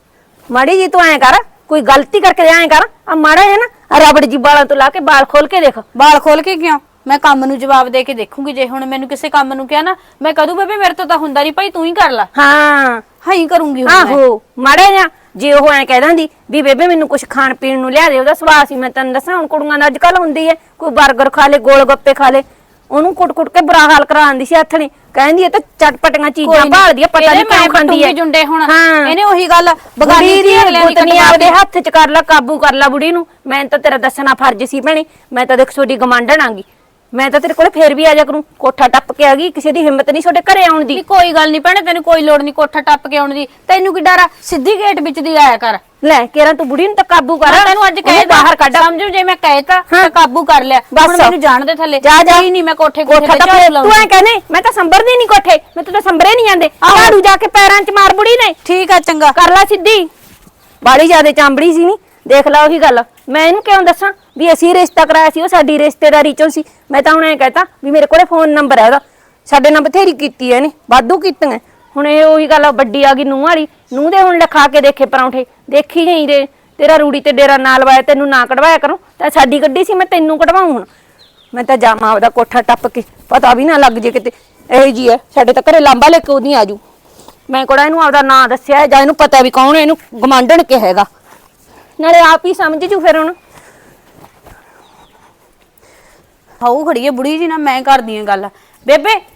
[SPEAKER 3] ਮਾੜੀ ਜੀ ਤੂੰ ਐ ਕਰ, ਕੋਈ ਗਲਤੀ ਕਰਕੇ ਐ ਕਰ, ਆ ਮਾੜਾ ਹੈ ਨਾ ਰਬੜ ਜੀ ਬਾਲਾਂ ਤੋਂ ਲਾ ਕੇ ਬਾਲ ਖੋਲ ਕੇ ਦੇਖ।
[SPEAKER 2] ਬਾਲ ਖੋਲ ਕੇ ਕਿਉਂ? ਮੈਂ ਕੰਮ ਨੂੰ ਜਵਾਬ ਦੇ ਕੇ ਦੇਖੂੰਗੀ। ਜੇ ਹੁਣ ਮੈਨੂੰ ਕਿਸੇ ਕੰਮ ਨੂੰ ਕਿਹਾ ਨਾ, ਮੈਂ ਕਹਦੂ ਬੇਬੇ ਮੇਰੇ ਤੋਂ ਤਾਂ ਹੁੰਦਾ ਨਹੀਂ ਭਾਈ, ਤੂੰ ਹੀ ਕਰ ਲੈ।
[SPEAKER 3] ਹਾਂ
[SPEAKER 2] ਹੀ ਕਰੂੰਗੀ ਹੁਣ ਮੈਂ।
[SPEAKER 3] ਆਹੋ, ਮਾੜਾ ਜਿਹਾ ਜੇ ਉਹ ਐ ਕਹਿ ਦਿੰਦੀ ਵੀ ਬੇਬੇ ਮੈਨੂੰ ਕੁਝ ਖਾਣ ਪੀਣ ਨੂੰ ਲਿਆ ਦੇ, ਉਹਦਾ ਸੁਭਾਅ ਸੀ। ਮੈਂ ਤੈਨੂੰ ਦੱਸਾਂ, ਹੁਣ ਕੁੜੀਆਂ ਦਾ ਅੱਜ ਕੱਲ ਹੁੰਦੀ ਐ, ਕੋਈ 버ਗਰ ਖਾ ਲੇ, ਗੋਲ ਗੱਪੇ ਖਾ ਲੇ, ਉਹਨੂੰ ਕੁੱਟ-ਕੁੱਟ ਕੇ ਬੁਰਾ ਹਾਲ ਕਰਾਉਂਦੀ ਸੀ ਹੱਥ ਨੇ। ਕਹਿੰਦੀ ਇਹ ਤਾਂ ਚਟਪਟੀਆਂ ਚੀਜ਼ਾਂ ਭਾਲਦੀ ਐ, ਪਤਾ ਨਹੀਂ ਕਿਉਂ ਖਾਂਦੀ ਐ।
[SPEAKER 2] ਜੁੰਡੇ ਹੁਣ
[SPEAKER 3] ਹਾਂ,
[SPEAKER 2] ਇਹਨੇ ਉਹੀ ਗੱਲ ਬਗਾਨੀ ਦੀ
[SPEAKER 3] ਗੁੱਤਨੀ ਆਪਦੇ ਹੱਥ 'ਚ ਕਰ ਲੈ, ਕਾਬੂ ਕਰ ਲੈ ਬੁੜੀ ਨੂੰ। ਮੈਂ ਤਾਂ ਤੇਰਾ ਦੱਸਣਾ ਫਰਜ਼ ਸੀ ਭੈਣੇ। ਮੈਂ ਤਾਂ ਦੇਖ ਤੁਹਾਡੀ ਗਮਾਂਡਣ ਆਂਗੀ, ਮੈਂ ਤਾਂ ਤੇਰੇ ਕੋਲੇ ਫੇਰ ਵੀ ਆ ਜਾ ਕਰੂੰ। ਕੋਠਾ ਟੱਪ ਕੇ ਆ ਗਈ, ਕਿਸੇ ਦੀ ਹਿੰਮਤ ਨਹੀਂ ਤੁਹਾਡੇ ਘਰੇ ਆਉਣ ਦੀ।
[SPEAKER 2] ਕੋਈ ਗੱਲ ਨਹੀਂ ਭੈਣੇ, ਤੈਨੂੰ ਕੋਈ ਲੋੜ ਨਹੀਂ ਕੋਠਾ ਟੱਪ ਕੇ ਆਉਣ ਦੀ। ਤੈਨੂੰ ਕੀ ਡਰ ਆ? ਸਿੱਧੀ ਗੇਟ ਵਿੱਚ ਦੀ ਆਇਆ ਕਰ।
[SPEAKER 3] ਲੈ ਕੇਰਾਂ ਤੂੰ ਬੁੜੀ ਨੂੰ ਤਾਂ ਕਾਬੂ ਕਰ।
[SPEAKER 2] ਤੈਨੂੰ ਅੱਜ ਕਹੇ
[SPEAKER 3] ਬਾਹਰ ਕੱਢ,
[SPEAKER 2] ਸਮਝੋ, ਜੇ ਮੈਂ ਕਹਿਤਾ ਤਾਂ ਕਾਬੂ ਕਰ ਲਿਆ। ਹੁਣ ਮੈਨੂੰ ਜਾਣ ਦੇ ਥੱਲੇ।
[SPEAKER 3] ਜਾ ਜਾ,
[SPEAKER 2] ਨਹੀਂ ਮੈਂ ਕੋਠੇ
[SPEAKER 3] ਕੋਠਾ ਤਾਂ ਤੂੰ ਐ ਕਹਿੰਦੇ ਮੈਂ ਤਾਂ ਸੰਭਰਦੀ ਨਹੀਂ ਕੋਠੇ, ਮੈਂ ਤਾਂ ਸੰਭਰੇ ਨਹੀਂ ਜਾਂਦੇ। ਝਾੜੂ ਜਾ ਕੇ ਪੈਰਾਂ 'ਚ ਮਾਰ ਬੁੜੀ ਨੇ।
[SPEAKER 2] ਠੀਕ ਆ, ਚੰਗਾ
[SPEAKER 3] ਕਰ ਲੈ ਸਿੱਧੀ। ਬਾੜੀ ਜਿਆਦੇ ਚਾਂਬੜੀ ਸੀ ਨਹੀਂ, ਦੇਖ ਲਾ ਉਹੀ ਗੱਲ। ਮੈਂ ਇਹਨੂੰ ਕਿਉਂ ਦੱਸਾਂ ਵੀ ਅਸੀਂ ਰਿਸ਼ਤਾ ਕਰਾਇਆ ਸੀ, ਉਹ ਸਾਡੀ ਰਿਸ਼ਤੇਦਾਰੀ ਚੋਂ ਸੀ। ਮੈਂ ਤਾਂ ਹੁਣ ਐ ਕਹਤਾ ਵੀ ਮੇਰੇ ਕੋਲੇ ਫੋਨ ਨੰਬਰ ਹੈ ਉਹਦਾ। ਸਾਡੇ ਨਾਲ ਬਥੇਰੀ ਕੀਤੀ ਐ ਇਹਨੇ, ਵਾਧੂ ਕੀਤੀਆਂ। ਹੁਣ ਇਹ ਉਹੀ ਗੱਲ ਵੱਡੀ ਆ ਗਈ ਨੂੰਹ ਵਾਲੀ। ਨੂੰਹ ਦੇ ਹੁਣ ਲਿਖਾ ਕੇ ਦੇਖੇ ਪਰੌਂਠੇ, ਦੇਖੀ ਜਾਈ ਦੇ। ਤੇਰਾ ਰੂੜੀ ਤੇ ਡੇਰਾ ਨਾ ਲਵਾਇਆ, ਤੈਨੂੰ ਨਾ ਕਢਵਾਇਆ ਕਰੂੰ ਤਾਂ ਸਾਡੀ ਗੱਡੀ ਸੀ, ਮੈਂ ਤੈਨੂੰ ਕਢਵਾਉਂ। ਹੁਣ ਮੈਂ ਤਾਂ ਜਾਵਾਂ ਉਹਦਾ ਕੋਠਾ ਟੱਪ ਕੇ, ਪਤਾ ਵੀ ਨਾ ਲੱਗ ਜੇ ਕਿਤੇ ਇਹੋ ਜੀ ਐ। ਸਾਡੇ ਤਾਂ ਘਰੇ ਲਾਂਬਾ ਲੈ ਕੇ ਉਹਦੀ ਆਜੂ। ਮੈਂ ਕੋੜਾ ਇਹਨੂੰ ਆਪਦਾ ਨਾਂ ਦੱਸਿਆ ਜਾਂ ਇਹਨੂੰ ਪਤਾ ਵੀ ਕੌਣ ਇਹਨੂੰ ਗਮਾਂਡਣ ਕੇ ਹੈਗਾ, ਨਾਲੇ ਆਪ ਹੀ ਸਮਝ ਜੂ ਫਿਰ। ਹੁਣ
[SPEAKER 2] ਹਾਉ ਖੜੀ ਐ ਬੁੜੀ ਜੀ ਨਾਲ, ਮੈਂ ਕਰਦੀ ਆ ਗੱਲ। ਬੇਬੇ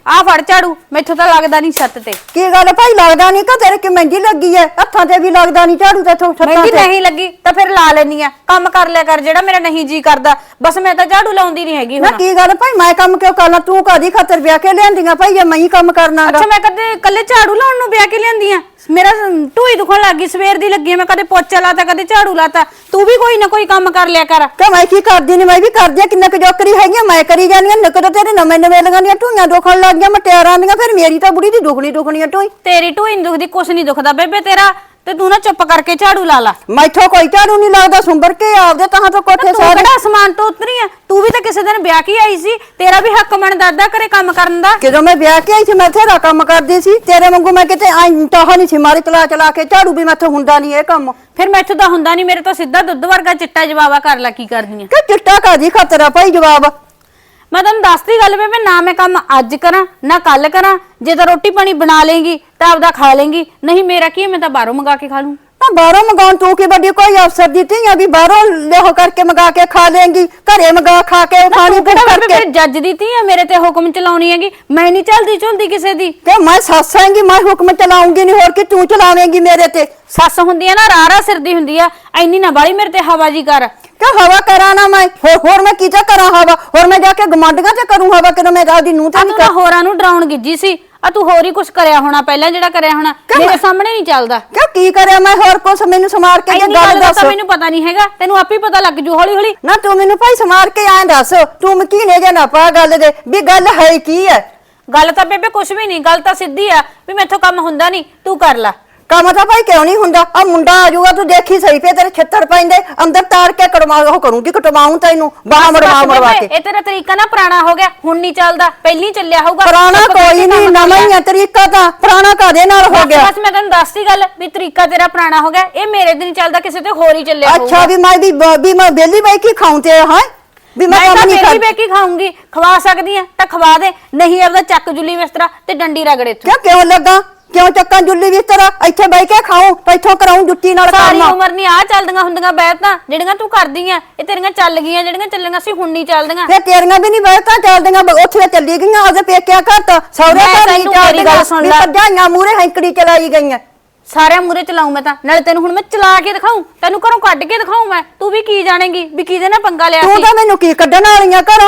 [SPEAKER 2] ਆ ਫੜ ਝਾੜੂ, ਮੈਥੋਂ ਤਾਂ ਲੱਗਦਾ ਨਹੀਂ ਛੱਤ ਤੇ।
[SPEAKER 1] ਕੀ ਗੱਲ ਭਾਈ ਲੱਗਦਾ ਨਹੀਂ ਕਿ ਤੇਰੇ ਕਿ ਮਹਿੰਦੀ ਲੱਗੀ ਐ? ਹੱਥਾਂ ਤੇ ਵੀ ਲੱਗਦਾ ਨਹੀਂ ਝਾੜੂ ਤੇ ਛੱਤਾਂ
[SPEAKER 2] ਮਹਿੰਦੀ
[SPEAKER 1] ਤੇ।
[SPEAKER 2] ਨਹੀਂ ਲੱਗੀ ਤਾਂ ਫਿਰ ਲਾ ਲੈਣੀ ਆ। ਕੰਮ ਕਰ ਲਿਆ ਕਰ ਜਿਹੜਾ ਮੇਰਾ ਨਹੀਂ ਜੀ ਕਰਦਾ। ਬਸ ਮੈਂ ਤਾਂ ਝਾੜੂ ਲਾਉਂਦੀ ਨਹੀਂ ਹੈਗੀ
[SPEAKER 1] ਨਾ
[SPEAKER 2] ਹੁਣ।
[SPEAKER 1] ਕੀ ਗੱਲ ਭਾਈ ਮੈਂ ਕੰਮ ਕਿਉਂ ਕਰਨਾ? ਤੂੰ ਕਾਦੀ ਖਾਤਰ ਵਿਆਹ ਕੇ ਲਿਆਂਦੀਆਂ ਭਾਈ? ਜੇ ਮੈਂ ਹੀ ਕੰਮ ਕਰਨਾਗਾ।
[SPEAKER 2] ਅੱਛਾ ਮੈਂ ਕਦੇ ਕੱਲੇ ਝਾੜੂ ਲਾਉਣ ਨੂੰ ਵਿਆਹ ਕੇ ਲਿਆਂਦੀ ਆ? ਮੇਰਾ ਢੂਈ ਦੁਖਣ ਲੱਗ ਗਈ, ਸਵੇਰ ਦੀ ਲੱਗੀ ਆ, ਮੈਂ ਕਦੇ ਪੋਚਾ ਲਾਤਾ ਕਦੇ ਝਾੜੂ ਲਾਤਾ। ਤੂੰ ਵੀ ਕੋਈ ਨਾ ਕੋਈ ਕੰਮ ਕਰ ਲਿਆ ਕਰ।
[SPEAKER 1] ਕਿ ਮੈਂ ਕੀ ਕਰਦੀ ਨਹੀਂ? ਮੈਂ ਵੀ ਕਰਦੀ ਆ, ਕਿੰਨਾ ਕੁ ਜੋਕਰੀ ਹੈਗੀ ਆ, ਮੈਂ ਕਰੀ ਜਾਂਦੀ ਆ। ਨਿਕਲ ਤੇਰੇ ਨਵੇਂ ਲਗਾਂ ਦੀਆਂ ਢੂਈਆਂ ਦੁਖਣ ਲੱਗ ਗਈਆਂ, ਮਟਿਆਰਾਂ ਦੀਆਂ। ਫਿਰ ਮੇਰੀ ਤਾਂ ਬੁੜੀ ਦੀ ਦੁਖਣੀ ਆ ਢੂਈ।
[SPEAKER 2] ਤੇਰੀ ਢੂਈ ਨੀ ਦੁਖਦੀ, ਕੁਛ ਨਹੀਂ ਦੁਖਦਾ ਬੇਬੇ ਤੇਰਾ। ਤੇ ਤੂੰ ਨਾ ਚੁੱਪ ਕਰਕੇ ਝਾੜੂ ਲਾ ਲਾ।
[SPEAKER 1] ਮੈਥੋਂ ਕੋਈ ਝਾੜੂ ਨਹੀਂ ਲੱਗਦਾ, ਸੁੰਬਰ ਕੇ ਆਪਦੇ ਤਾਂ ਤੋਂ ਕੋਠੇ
[SPEAKER 2] ਤੂੰ ਕਿਹੜਾ ਅਸਮਾਨ ਤੋਂ ਉਤਰੀ ਆ? ਤੂੰ ਵੀ ਤਾਂ ਕਿਸੇ ਦਿਨ ਵਿਆਹ ਕੇ ਆਈ ਸੀ, ਤੇਰਾ ਵੀ ਹੱਕ ਬਣਦਾ ਦਾਦਾ ਘਰੇ ਕੰਮ ਕਰਨ ਦਾ।
[SPEAKER 1] ਜਦੋਂ ਮੈਂ ਵਿਆਹ ਕੇ ਆਈ ਸੀ ਮੈਂ ਤੇਰਾ ਕੰਮ ਕਰਦੀ ਸੀ। ਤੇਰੇ ਵਾਂਗੂ ਮੈਂ ਕਿਤੇ ਤਾਂ ਨਹੀਂ ਸੀ ਮਾਰੀ ਚਲਾ ਕੇ ਝਾੜੂ ਵੀ ਮੈਥੋਂ ਹੁੰਦਾ ਨਹੀਂ ਇਹ ਕੰਮ।
[SPEAKER 2] ਫਿਰ ਮੈਥੋਂ ਤਾਂ ਹੁੰਦਾ ਨਹੀਂ, ਮੇਰੇ ਤੋਂ ਸਿੱਧਾ ਦੁੱਧ ਵਰਗਾ ਚਿੱਟਾ ਜਵਾਬਾ ਕਰ ਲੈ। ਕੀ ਕਰਦੀ ਆ?
[SPEAKER 1] ਕਿ ਚਿੱਟਾ ਕਾਦੀ ਖਾਤਰ ਆ ਭਾਈ ਜਵਾਬ?
[SPEAKER 2] ਮੈਂ ਤੁਹਾਨੂੰ ਦੱਸਦੀ ਗੱਲ ਬੇਬੇ, ਨਾ ਮੈਂ ਕੰਮ ਅੱਜ ਕਰਾਂ ਨਾ ਕੱਲ ਕਰਾਂ। ਜੇ ਤਾਂ ਰੋਟੀ ਪਾਣੀ ਬਣਾ ਲੇਂਗੀ ਤਾਂ ਆਪਦਾ ਖਾ ਲੇਂਗੀ, ਨਹੀਂ ਮੇਰਾ ਕੀ ਹੈ, ਮੈਂ ਤਾਂ ਬਾਹਰੋਂ ਮੰਗਾ ਕੇ ਖਾ ਲੂੰ।
[SPEAKER 1] ਬਾਹਰੋਂ ਮੰਗਾਉਣ ਤੂੰ ਕੀ ਵੱਡੀ ਕੋਈ ਅਫਸਰ ਦਿੱਤੀ ਆ ਵੀ ਬਾਹਰੋਂ ਲਿਓ ਕਰਕੇ ਮੰਗਾ ਕੇ ਖਾ ਲੇਂਗੀ? ਘਰੇ ਮੰਗਾ ਖਾ ਕੇ ਖਾਣੀ
[SPEAKER 2] ਤੂੰ ਕਿਹੜਾ
[SPEAKER 1] ਕਰਕੇ।
[SPEAKER 2] ਬੇਬੇ ਜੱਜ ਦਿੱਤੀ ਆ ਮੇਰੇ ਤੇ ਹੁਕਮ ਚਲਾਉਣੀ ਹੈਗੀ? ਮੈਂ ਨਹੀਂ ਚਲਦੀ ਕਿਸੇ ਦੀ।
[SPEAKER 1] ਕਿ ਮੈਂ ਸੱਸ ਆਂਗੀ, ਮੈਂ ਹੁਕਮ ਚਲਾਉਂਗੀ ਨਹੀਂ, ਹੋਰ ਕਿ ਤੂੰ ਚਲਾਵੇਂਗੀ ਮੇਰੇ ਤੇ?
[SPEAKER 2] ਸੱਸ ਹੁੰਦੀ ਆ ਨਾ ਰਾਰਾ ਸਿਰ ਦੀ ਹੁੰਦੀ ਆ, ਐਨੀ ਨਾ ਬਾਲੀ ਮੇਰੇ ਤੇ ਹਵਾ ਜੀ ਕਰ।
[SPEAKER 1] ਕਿ ਹਵਾ ਕਰਾਂ ਨਾ ਮੈਂ? ਹੋਰ ਮੈਂ ਕੀ ਕਰਾਂ ਹਵਾ? ਹੋਰ ਮੈਂ ਜਾ ਕੇ ਗਮਾਂਡੀਆਂ ਤੇ ਕਰੂੰ ਹਵਾ? ਕਿ ਮੈਂ ਆਪਦੀ ਨੂੰਹ ਤੇ
[SPEAKER 2] ਆ
[SPEAKER 1] ਨਹੀਂ
[SPEAKER 2] ਤੂੰ ਨਾ ਹੋਰਾਂ ਨੂੰ ਡਰਾਉਣ ਗਿੱਜੀ ਸੀ। ਆ ਤੂੰ ਹੋਰ ਹੀ ਕੁਝ ਕਰਿਆ ਹੋਣਾ ਪਹਿਲਾਂ, ਜਿਹੜਾ ਕਰਿਆ ਹੋਣਾ ਮੇਰੇ ਸਾਹਮਣੇ ਨਹੀਂ ਚੱਲਦਾ।
[SPEAKER 1] ਕਿਉਂ ਕੀ ਕਰਿਆ ਮੈਂ? ਹੋਰ ਕੁਛ ਮੈਨੂੰ ਸਮਾਰ ਕੇ
[SPEAKER 2] ਇੰਨੀ
[SPEAKER 1] ਗੱਲ
[SPEAKER 2] ਗੱਲ ਦਾ
[SPEAKER 1] ਦੱਸ।
[SPEAKER 2] ਤਾਂ ਮੈਨੂੰ ਪਤਾ ਨਹੀਂ ਹੈਗਾ, ਤੈਨੂੰ ਆਪੇ ਪਤਾ ਲੱਗ ਜੂ ਹੌਲੀ ਹੌਲੀ।
[SPEAKER 1] ਨਾ ਤੂੰ ਮੈਨੂੰ ਭਾਈ ਸਮਾਰ ਕੇ ਐਂ ਦੱਸ, ਤੂੰ ਕੀ ਨੇ ਨਾ ਪਾ ਗੱਲ ਦੇ ਵੀ ਗੱਲ ਹੈ ਕੀ ਹੈ?
[SPEAKER 2] ਗੱਲ ਤਾਂ ਬੇਬੇ ਕੁਝ ਵੀ ਨਹੀਂ, ਗੱਲ ਤਾਂ ਸਿੱਧੀ ਆ ਵੀ ਮੈਥੋਂ ਕੰਮ ਹੁੰਦਾ ਨਹੀਂ, ਤੂੰ ਕਰ ਲੈ
[SPEAKER 1] ਕੰਮ। ਤਾਂ ਭਾਈ ਕਿਉਂ ਨਹੀਂ ਹੁੰਦਾ? ਆ ਮੁੰਡਾ ਆ ਜਾਊਗਾ, ਤੂੰ ਦੇਖੀ ਸਹੀ ਪਏ ਤੇਰੇ ਛੱਤਰ ਪੈਂਦੇ ਅੰਦਰ ਤਾੜ ਕੇ ਕੜਵਾ ਉਹ ਕਰੂੰਗੀ, ਕਟਵਾਉਂ ਤੈਨੂੰ ਬਾਹਾਂ ਮੜਵਾ ਕੇ।
[SPEAKER 2] ਇਹ ਤੇਰਾ ਤਰੀਕਾ ਨਾ ਪੁਰਾਣਾ ਹੋ ਗਿਆ, ਹੁਣ ਨਹੀਂ ਚੱਲਦਾ, ਪਹਿਲੀ ਚੱਲਿਆ ਹੋਊਗਾ।
[SPEAKER 1] ਪੁਰਾਣਾ ਕੋਈ ਨਹੀਂ, ਨਵਾਂ ਹੀ ਆ ਤਰੀਕਾ। ਤਾਂ ਪੁਰਾਣਾ ਕਾਦੇ ਨਾਲ ਹੋ ਗਿਆ?
[SPEAKER 2] ਬਸ ਮੈਂ ਤੈਨੂੰ ਦੱਸਦੀ ਗੱਲ ਵੀ ਤਰੀਕਾ ਤੇਰਾ ਪੁਰਾਣਾ ਹੋ ਗਿਆ, ਇਹ ਮੇਰੇ ਤੇ ਨਹੀਂ ਚੱਲਦਾ, ਕਿਸੇ ਤੇ ਹੋਰ ਹੀ ਚੱਲਿਆ ਹੋਊਗਾ।
[SPEAKER 1] ਅੱਛਾ ਵੀ ਮੈਂ ਬੇਲੀ ਬਾਈ ਕੀ ਖਾਉਂ ਤੇ ਹਾਂ ਵੀ ਮੈਂ ਕੰਮ ਨਹੀਂ
[SPEAKER 2] ਬੇਲੀ ਬੇਕੀ ਖਾਉਂਗੀ? ਖਵਾ ਸਕਦੀ ਆ ਤਾਂ ਖਵਾ ਦੇ, ਨਹੀਂ ਆਪਦਾ ਚੱਕ ਜੁੱਲੀ ਬਿਸਤਰਾ ਤੇ ਡੰਡੀ ਰਗੜੇ ਤੂੰ।
[SPEAKER 1] ਕਿਉਂ ਲੱਗਾ? ਕਿਉਂ ਚੱਕਾਂ ਜੁੱਲੀ ਬਿਸਤਰਾ? ਇੱਥੇ ਬਹਿ ਕੇ ਖਾਉਂ, ਇੱਥੋਂ ਕਰਾਉਂ ਜੁੱਤੀ ਨਾਲ
[SPEAKER 2] ਸਾਰੀ
[SPEAKER 1] ਕੰਮ।
[SPEAKER 2] ਉਮਰ ਨਹੀਂ ਆ ਚੱਲਦੀਆਂ ਹੁੰਦੀਆਂ ਬੈਠਾਂ ਜਿਹੜੀਆਂ ਤੂੰ ਕਰਦੀ ਆ, ਇਹ ਤੇਰੀਆਂ ਚੱਲ ਗਈਆਂ, ਜਿਹੜੀਆਂ ਚੱਲੀਆਂ ਸੀ ਹੁਣ ਨਹੀਂ ਚੱਲਦੀਆਂ।
[SPEAKER 1] ਫੇ ਤੇਰੀਆਂ ਵੀ ਨਹੀਂ ਬਹਿਤਾਂ ਚੱਲਦੀਆਂ, ਉੱਥੇ ਚੱਲੀ ਗਈਆਂ ਉਹਦੇ ਪੇਕਿਆ ਘਰ ਤਾਂ ਸਹੁਰੇ ਘਰ ਨਹੀਂ ਚੱਲਦੀਆਂ। ਭਰਜਾਈਆਂ ਮੂਹਰੇ ਹੈਂਕੜੀ ਚਲਾਈ ਗਈਆਂ।
[SPEAKER 2] ਸਾਰਿਆਂ ਮੂਰੇ ਚਲਾਉਂ ਮੈਂ ਤਾਂ, ਨਾਲੇ ਤੈਨੂੰ ਹੁਣ ਮੈਂ ਚਲਾ ਕੇ ਦਿਖਾਉਂ, ਤੈਨੂੰ ਘਰੋਂ ਕੱਢ ਕੇ ਦਿਖਾਉਂ ਮੈਂ। ਤੂੰ ਵੀ ਕੀ ਜਾਣੇਗੀ ਵੀ ਕਿਹਦੇ ਨਾਲ ਪੰਗਾ ਲਿਆ
[SPEAKER 1] ਤੂੰ
[SPEAKER 2] ਸੀ?
[SPEAKER 1] ਤਾਂ ਮੈਨੂੰ ਕੀ ਕੱਢਣ ਵਾਲੀਆਂ ਘਰੋਂ?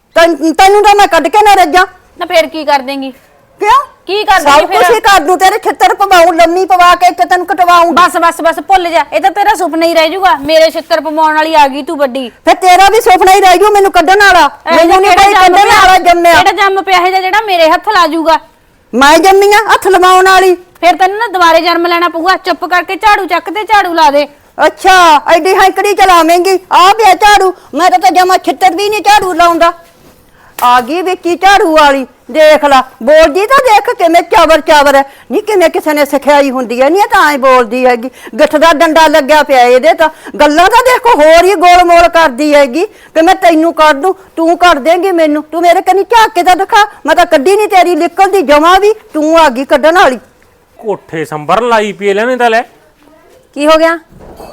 [SPEAKER 1] ਤੈਨੂੰ ਤਾਂ ਮੈਂ ਕੱਢ ਕੇ ਨਾ ਰੱਜਾਂ।
[SPEAKER 2] ਨਾ ਫੇਰ ਕੀ ਕਰ ਦੇਂਗੀ?
[SPEAKER 1] ਕਿਉਂ
[SPEAKER 2] ਕੀ ਕਰ
[SPEAKER 1] ਸਭ
[SPEAKER 2] ਦੇਂਗੀ
[SPEAKER 1] ਕੁਛ ਹੀ
[SPEAKER 2] ਫੇਰ?
[SPEAKER 1] ਕਰ ਦੂੰ, ਤੇਰੇ ਛਿੱਤਰ ਪਵਾਉਂ, ਲੰਮੀ ਪਵਾ ਕੇ ਇੱਥੇ ਤੈਨੂੰ ਕਟਵਾਉਂ।
[SPEAKER 2] ਬਸ ਭੁੱਲ ਜਾ, ਇਹ ਤਾਂ ਤੇਰਾ ਸੁਪਨਾ ਹੀ ਰਹਿ ਜਾਊਗਾ। ਮੇਰੇ ਛਿੱਤਰ ਪਵਾਉਣ ਵਾਲੀ ਆ ਗਈ ਤੂੰ ਵੱਡੀ।
[SPEAKER 1] ਫੇ ਤੇਰਾ ਵੀ ਸੁਪਨਾ ਹੀ ਰਹਿ ਜੂ ਮੈਨੂੰ ਕੱਢਣ ਵਾਲਾ। ਮੈਨੂੰ ਨਹੀਂ ਕੋਈ ਕੱਢਣ ਵਾਲਾ ਜੰਮਿਆ।
[SPEAKER 2] ਜਿਹੜਾ ਜੰਮ ਪਿਆ ਹੈ ਜਿਹੜਾ ਮੇਰੇ ਹੱਥ ਲਾ ਜਾਊਗਾ।
[SPEAKER 1] ਮੈਂ ਜੰਮੀ ਆ ਹੱਥ ਲਵਾਉਣ ਵਾਲੀ?
[SPEAKER 2] ਫਿਰ ਤੈਨੂੰ ਨਾ ਦੁਬਾਰੇ ਜਨਮ ਲੈਣਾ ਪਊਗਾ। ਚੁੱਪ ਕਰਕੇ ਝਾੜੂ ਚੱਕ ਤੇ ਝਾੜੂ ਲਾ ਦੇ।
[SPEAKER 1] ਅੱਛਾ ਐਡੀ ਹੈਂਕੜੀ ਚਲਾਵੇਂਗੀ? ਆ ਪਿਆ ਝਾੜੂ, ਮੈਂ ਤਾਂ ਜਮਾ ਛਿੱਤਰ ਵੀ ਨਹੀਂ ਝਾੜੂ ਲਾਉਂਦਾ। ਆ ਗਈ ਵਿੱਚੀ ਝਾੜੂ ਵਾਲੀ, ਦੇਖ ਲਾ ਬੋਲਦੀ ਤਾਂ ਦੇਖ ਕਿਵੇਂ ਚਾਵਰ ਹੈ। ਨਹੀਂ ਕਿਵੇਂ ਕਿਸੇ ਨੇ ਸਿਖਾਈ ਹੁੰਦੀ ਹੈ, ਨਹੀਂ ਤਾਂ ਐ ਬੋਲਦੀ ਹੈਗੀ। ਗਿੱਠ ਦਾ ਡੰਡਾ ਲੱਗਿਆ ਪਿਆ ਇਹਦੇ ਤਾਂ। ਗੱਲਾਂ ਤਾਂ ਦੇਖੋ ਹੋਰ ਹੀ ਗੋਲ ਮੋਲ ਕਰਦੀ ਹੈਗੀ ਕਿ ਮੈਂ ਤੈਨੂੰ ਕਰ ਦੂੰ, ਤੂੰ ਕਰ ਦੇਂਗੀ ਮੈਨੂੰ। ਤੂੰ ਮੇਰੇ ਕੰਨੀ ਝਾਕ ਕੇ ਤਾਂ ਦਿਖਾ, ਮੈਂ ਤਾਂ ਕੱਢੀ ਨਹੀਂ ਤੇਰੀ ਨਿਕਲਦੀ ਜਮਾ ਵੀ, ਤੂੰ ਆ ਗਈ ਕੱਢਣ ਵਾਲੀ।
[SPEAKER 4] ਕੋਠੇ ਸੰਭਰਨ ਲਾਈ ਪੀ ਲੈਣੇ ਤਾਂ ਲੈ।
[SPEAKER 3] ਕੀ ਹੋ ਗਿਆ?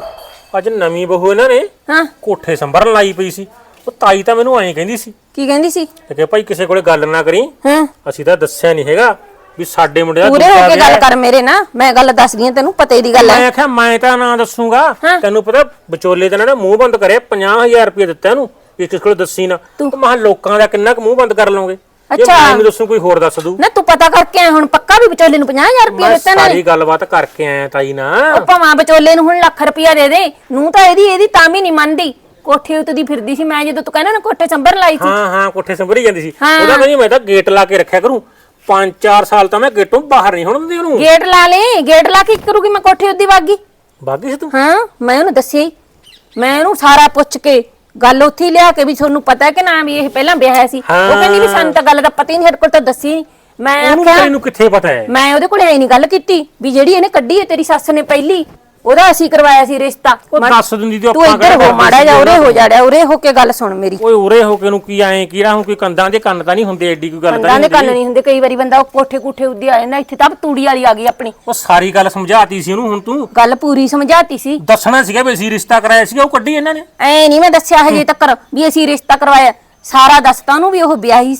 [SPEAKER 4] ਅੱਜ ਨਵੀਂ ਬਹੂ ਇਹਨਾਂ ਨੇ
[SPEAKER 3] ਹਾਂ
[SPEAKER 4] ਕੋਠੇ ਸੰਭਰਨ ਲਾਈ ਪਈ ਸੀ। ਉਹ ਤਾਈ ਤਾਂ ਮੈਨੂੰ ਐਂ ਕਹਿੰਦੀ ਸੀ
[SPEAKER 3] ਕੀ ਕਹਿੰਦੀ ਸੀ?
[SPEAKER 4] ਕਿ ਭਾਈ ਕਿਸੇ ਕੋਲੇ ਗੱਲ ਨਾ ਕਰੀ,
[SPEAKER 3] ਹਾਂ
[SPEAKER 4] ਅਸੀਂ ਤਾਂ ਦੱਸਿਆ ਨਹੀਂ ਹੈਗਾ ਵੀ ਸਾਡੇ ਮੁੰਡੇ ਦਾ
[SPEAKER 3] ਪੂਰੇ ਹੋ
[SPEAKER 4] ਦੂਜਾ
[SPEAKER 3] ਕੇ
[SPEAKER 4] ਵਿਆਹ
[SPEAKER 3] ਗੱਲ
[SPEAKER 4] ਹੈ।
[SPEAKER 3] ਕਰ ਮੇਰੇ ਨਾਲ, ਮੈਂ ਗੱਲ ਦੱਸਦੀ ਆ ਤੈਨੂੰ, ਪਤੇ ਦੀ ਗੱਲ
[SPEAKER 4] ਮੈਂ
[SPEAKER 3] ਹੈ।
[SPEAKER 4] ਆਖਿਆ ਮੈਂ ਤਾਂ ਨਾ ਦੱਸੂਗਾ।
[SPEAKER 3] ਹਾਂ।
[SPEAKER 4] ਤੈਨੂੰ ਪਤਾ ਵਿਚੋਲੇ ਤੇ ਨਾ ਮੂੰਹ ਬੰਦ ਕਰੇ 50,000 ਰੁਪਏ ਦਿੱਤਾ ਇਹਨੂੰ ਵੀ ਕਿਸੇ ਕੋਲ ਦੱਸੀ ਨਾ। ਤੂੰ ਮਹਾਂ ਲੋਕਾਂ ਦਾ ਕਿੰਨਾ ਕੁ ਮੂੰਹ ਬੰਦ ਕਰ ਲਓਗੇ? ਜੇ
[SPEAKER 3] ਅੱਛਾ।
[SPEAKER 4] ਮੈਂ ਦੱਸੂ ਕੋਈ ਹੋਰ ਦੱਸ ਦੂ।
[SPEAKER 3] ਨਾ ਤੂੰ ਪਤਾ ਕਰਕੇ ਆਇਆ ਹੁਣ ਪੱਕਾ ਵੀ ਵਿਚੋਲੇ ਨੂੰ 50,000 ਰੁਪਏ
[SPEAKER 4] ਮੈਂ
[SPEAKER 3] ਦਿੱਤਾ ਨਾ?
[SPEAKER 4] ਸਾਰੀ ਗੱਲਬਾਤ ਕਰਕੇ ਆਇਆ ਤਾਈ ਨਾ।
[SPEAKER 3] ਉਹ ਭਾਵੇਂ ਵਿਚੋਲੇ ਨੂੰ ਹੁਣ ਲੱਖ ਰੁਪਇਆ ਦੇ ਦੇ, ਨੂੰ ਤਾਂ ਇਹਦੀ ਤਾਂ ਵੀ ਨਹੀਂ ਮੰਨਦੀ। ਕੋਠੇ ਉੱਤੇ ਫਿਰਦੀ ਸੀ ਮੈਂ, ਜਦੋਂ ਤੂੰ ਕਹਿੰਦਾ ਨਾ ਕੋਠੇ ਸੰਭਰ ਲਾਈ ਸੀ।
[SPEAKER 4] ਹਾਂ ਕੋਠੇ ਸੰਭਰੀ ਜਾਂਦੀ ਸੀ।
[SPEAKER 3] ਹਾਂ।
[SPEAKER 4] ਉਹਦਾ ਕਹਿੰਦੀ ਮੈਂ ਤਾਂ ਗੇਟ ਲਾ ਕੇ ਰੱਖਿਆ ਕਰੂੰ, 5-4 ਸਾਲ ਤਾਂ ਮੈਂ ਗੇਟੋਂ ਬਾਹਰ ਨਹੀਂ ਹੋਣ ਦਿੰਦੀ ਉਹਨੂੰ।
[SPEAKER 3] ਗੇਟ ਲਾ ਲੈ, ਗੇਟ ਲਾ ਕੇ ਕੀ ਕਰੂਗੀ ਮੈਂ ਕੋਠੇ ਉੱਤੇ ਵਾਗੀ?
[SPEAKER 4] ਬਾਗੀ ਸੀ ਤੂੰ?
[SPEAKER 3] ਹਾਂ ਮੈਂ ਉਹਨੂੰ ਦੱਸਿਆ ਹੀ, ਮੈਂ ਉਹਨੂੰ ਸਾਰਾ ਪੁੱਛ ਕੇ ਗੱਲ ਉੱਥੇ ਹੀ ਲਿਆ ਕੇ ਵੀ ਤੁਹਾਨੂੰ ਪਤਾ ਹੈ ਕਿ ਨਾ ਵੀ ਇਹ ਪਹਿਲਾਂ ਵਿਆਹਿਆ ਸੀ। ਉਹ ਕਹਿੰਦੀ ਵੀ ਸਾਨੂੰ ਤਾਂ ਗੱਲ ਦਾ ਪਤਾ ਹੀ ਨਹੀਂ, ਸਾਡੇ ਕੋਲ ਤਾਂ ਦੱਸੀ ਨਹੀਂ। ਮੈਂ
[SPEAKER 4] ਉਹਨੂੰ
[SPEAKER 3] ਆਖਿਆ
[SPEAKER 4] ਤੈਨੂੰ ਕਿੱਥੇ ਪਤਾ ਹੈ?
[SPEAKER 3] ਮੈਂ ਉਹਦੇ ਕੋਲੇ ਐ ਨਹੀਂ ਗੱਲ ਕੀਤੀ ਵੀ ਜਿਹੜੀ ਇਹਨੇ ਕੱਢੀ ਹੈ ਤੇਰੀ ਸੱਸ ਨੇ ਪਹਿਲੀ, ਉਹਦਾ ਅਸੀਂ ਕਰਵਾਇਆ ਸੀ ਰਿਸ਼ਤਾ।
[SPEAKER 4] ਉਹ ਦੱਸ ਦਿੰਦੀ ਤੇ
[SPEAKER 3] ਤੂੰ
[SPEAKER 4] ਆਪਾਂ
[SPEAKER 3] ਇੱਧਰ ਹੋ ਮਾੜਾ ਜਾ, ਉਰੇ ਹੋ ਜਾੜਿਆ, ਉਰੇ ਹੋ ਕੇ ਗੱਲ ਸੁਣ ਮੇਰੀ।
[SPEAKER 4] ਓਏ ਉਰੇ ਹੋ ਕੇ ਨੂੰ ਕੀ ਆਏ ਕੀੜਾ ਹੁਣ ਕੋਈ ਕੰਦਾਂ ਦੇ ਕੰਨ ਤਾਂ ਨਹੀਂ ਹੁੰਦੇ, ਐਡੀ ਕੋਈ ਗੱਲ ਤਾਂ
[SPEAKER 3] ਕੰਨਾਂ ਦੇ
[SPEAKER 4] ਨਹੀਂ
[SPEAKER 3] ਕੰਨ ਨਹੀਂ ਹੁੰਦੇ, ਕਈ ਵਾਰੀ ਬੰਦਾ ਉਹ ਕੋਠੇ ਕੁੱਠੇ ਉੱਦੀ ਆ ਜਾਂਦਾ। ਇੱਥੇ ਤਾਂ ਤੂੜੀ ਵਾਲੀ ਆ ਗਈ ਆਪਣੀ।
[SPEAKER 4] ਉਹ ਸਾਰੀ ਗੱਲ ਸਮਝਾਤੀ ਸੀ ਉਹਨੂੰ, ਹੁਣ ਤੂੰ
[SPEAKER 3] ਗੱਲ ਪੂਰੀ ਸਮਝਾਤੀ ਸੀ।
[SPEAKER 4] ਦੱਸਣਾ ਸੀਗਾ ਵੀ ਅਸੀਂ ਰਿਸ਼ਤਾ ਕਰਾਇਆ ਸੀਗਾ, ਉਹ ਕੱਢੀ ਇਹਨਾਂ ਨੇ।
[SPEAKER 3] ਐ ਨਹੀਂ ਮੈਂ ਦੱਸਿਆ ਹਜੇ ਤੱਕ ਵੀ ਅਸੀਂ ਰਿਸ਼ਤਾ ਕਰਵਾਇਆ। ਸਾਰਾ ਦੱਸਤਾ ਉਹਨੂੰ ਵੀ ਉਹ ਵਿਆਹੀ ਸੀ,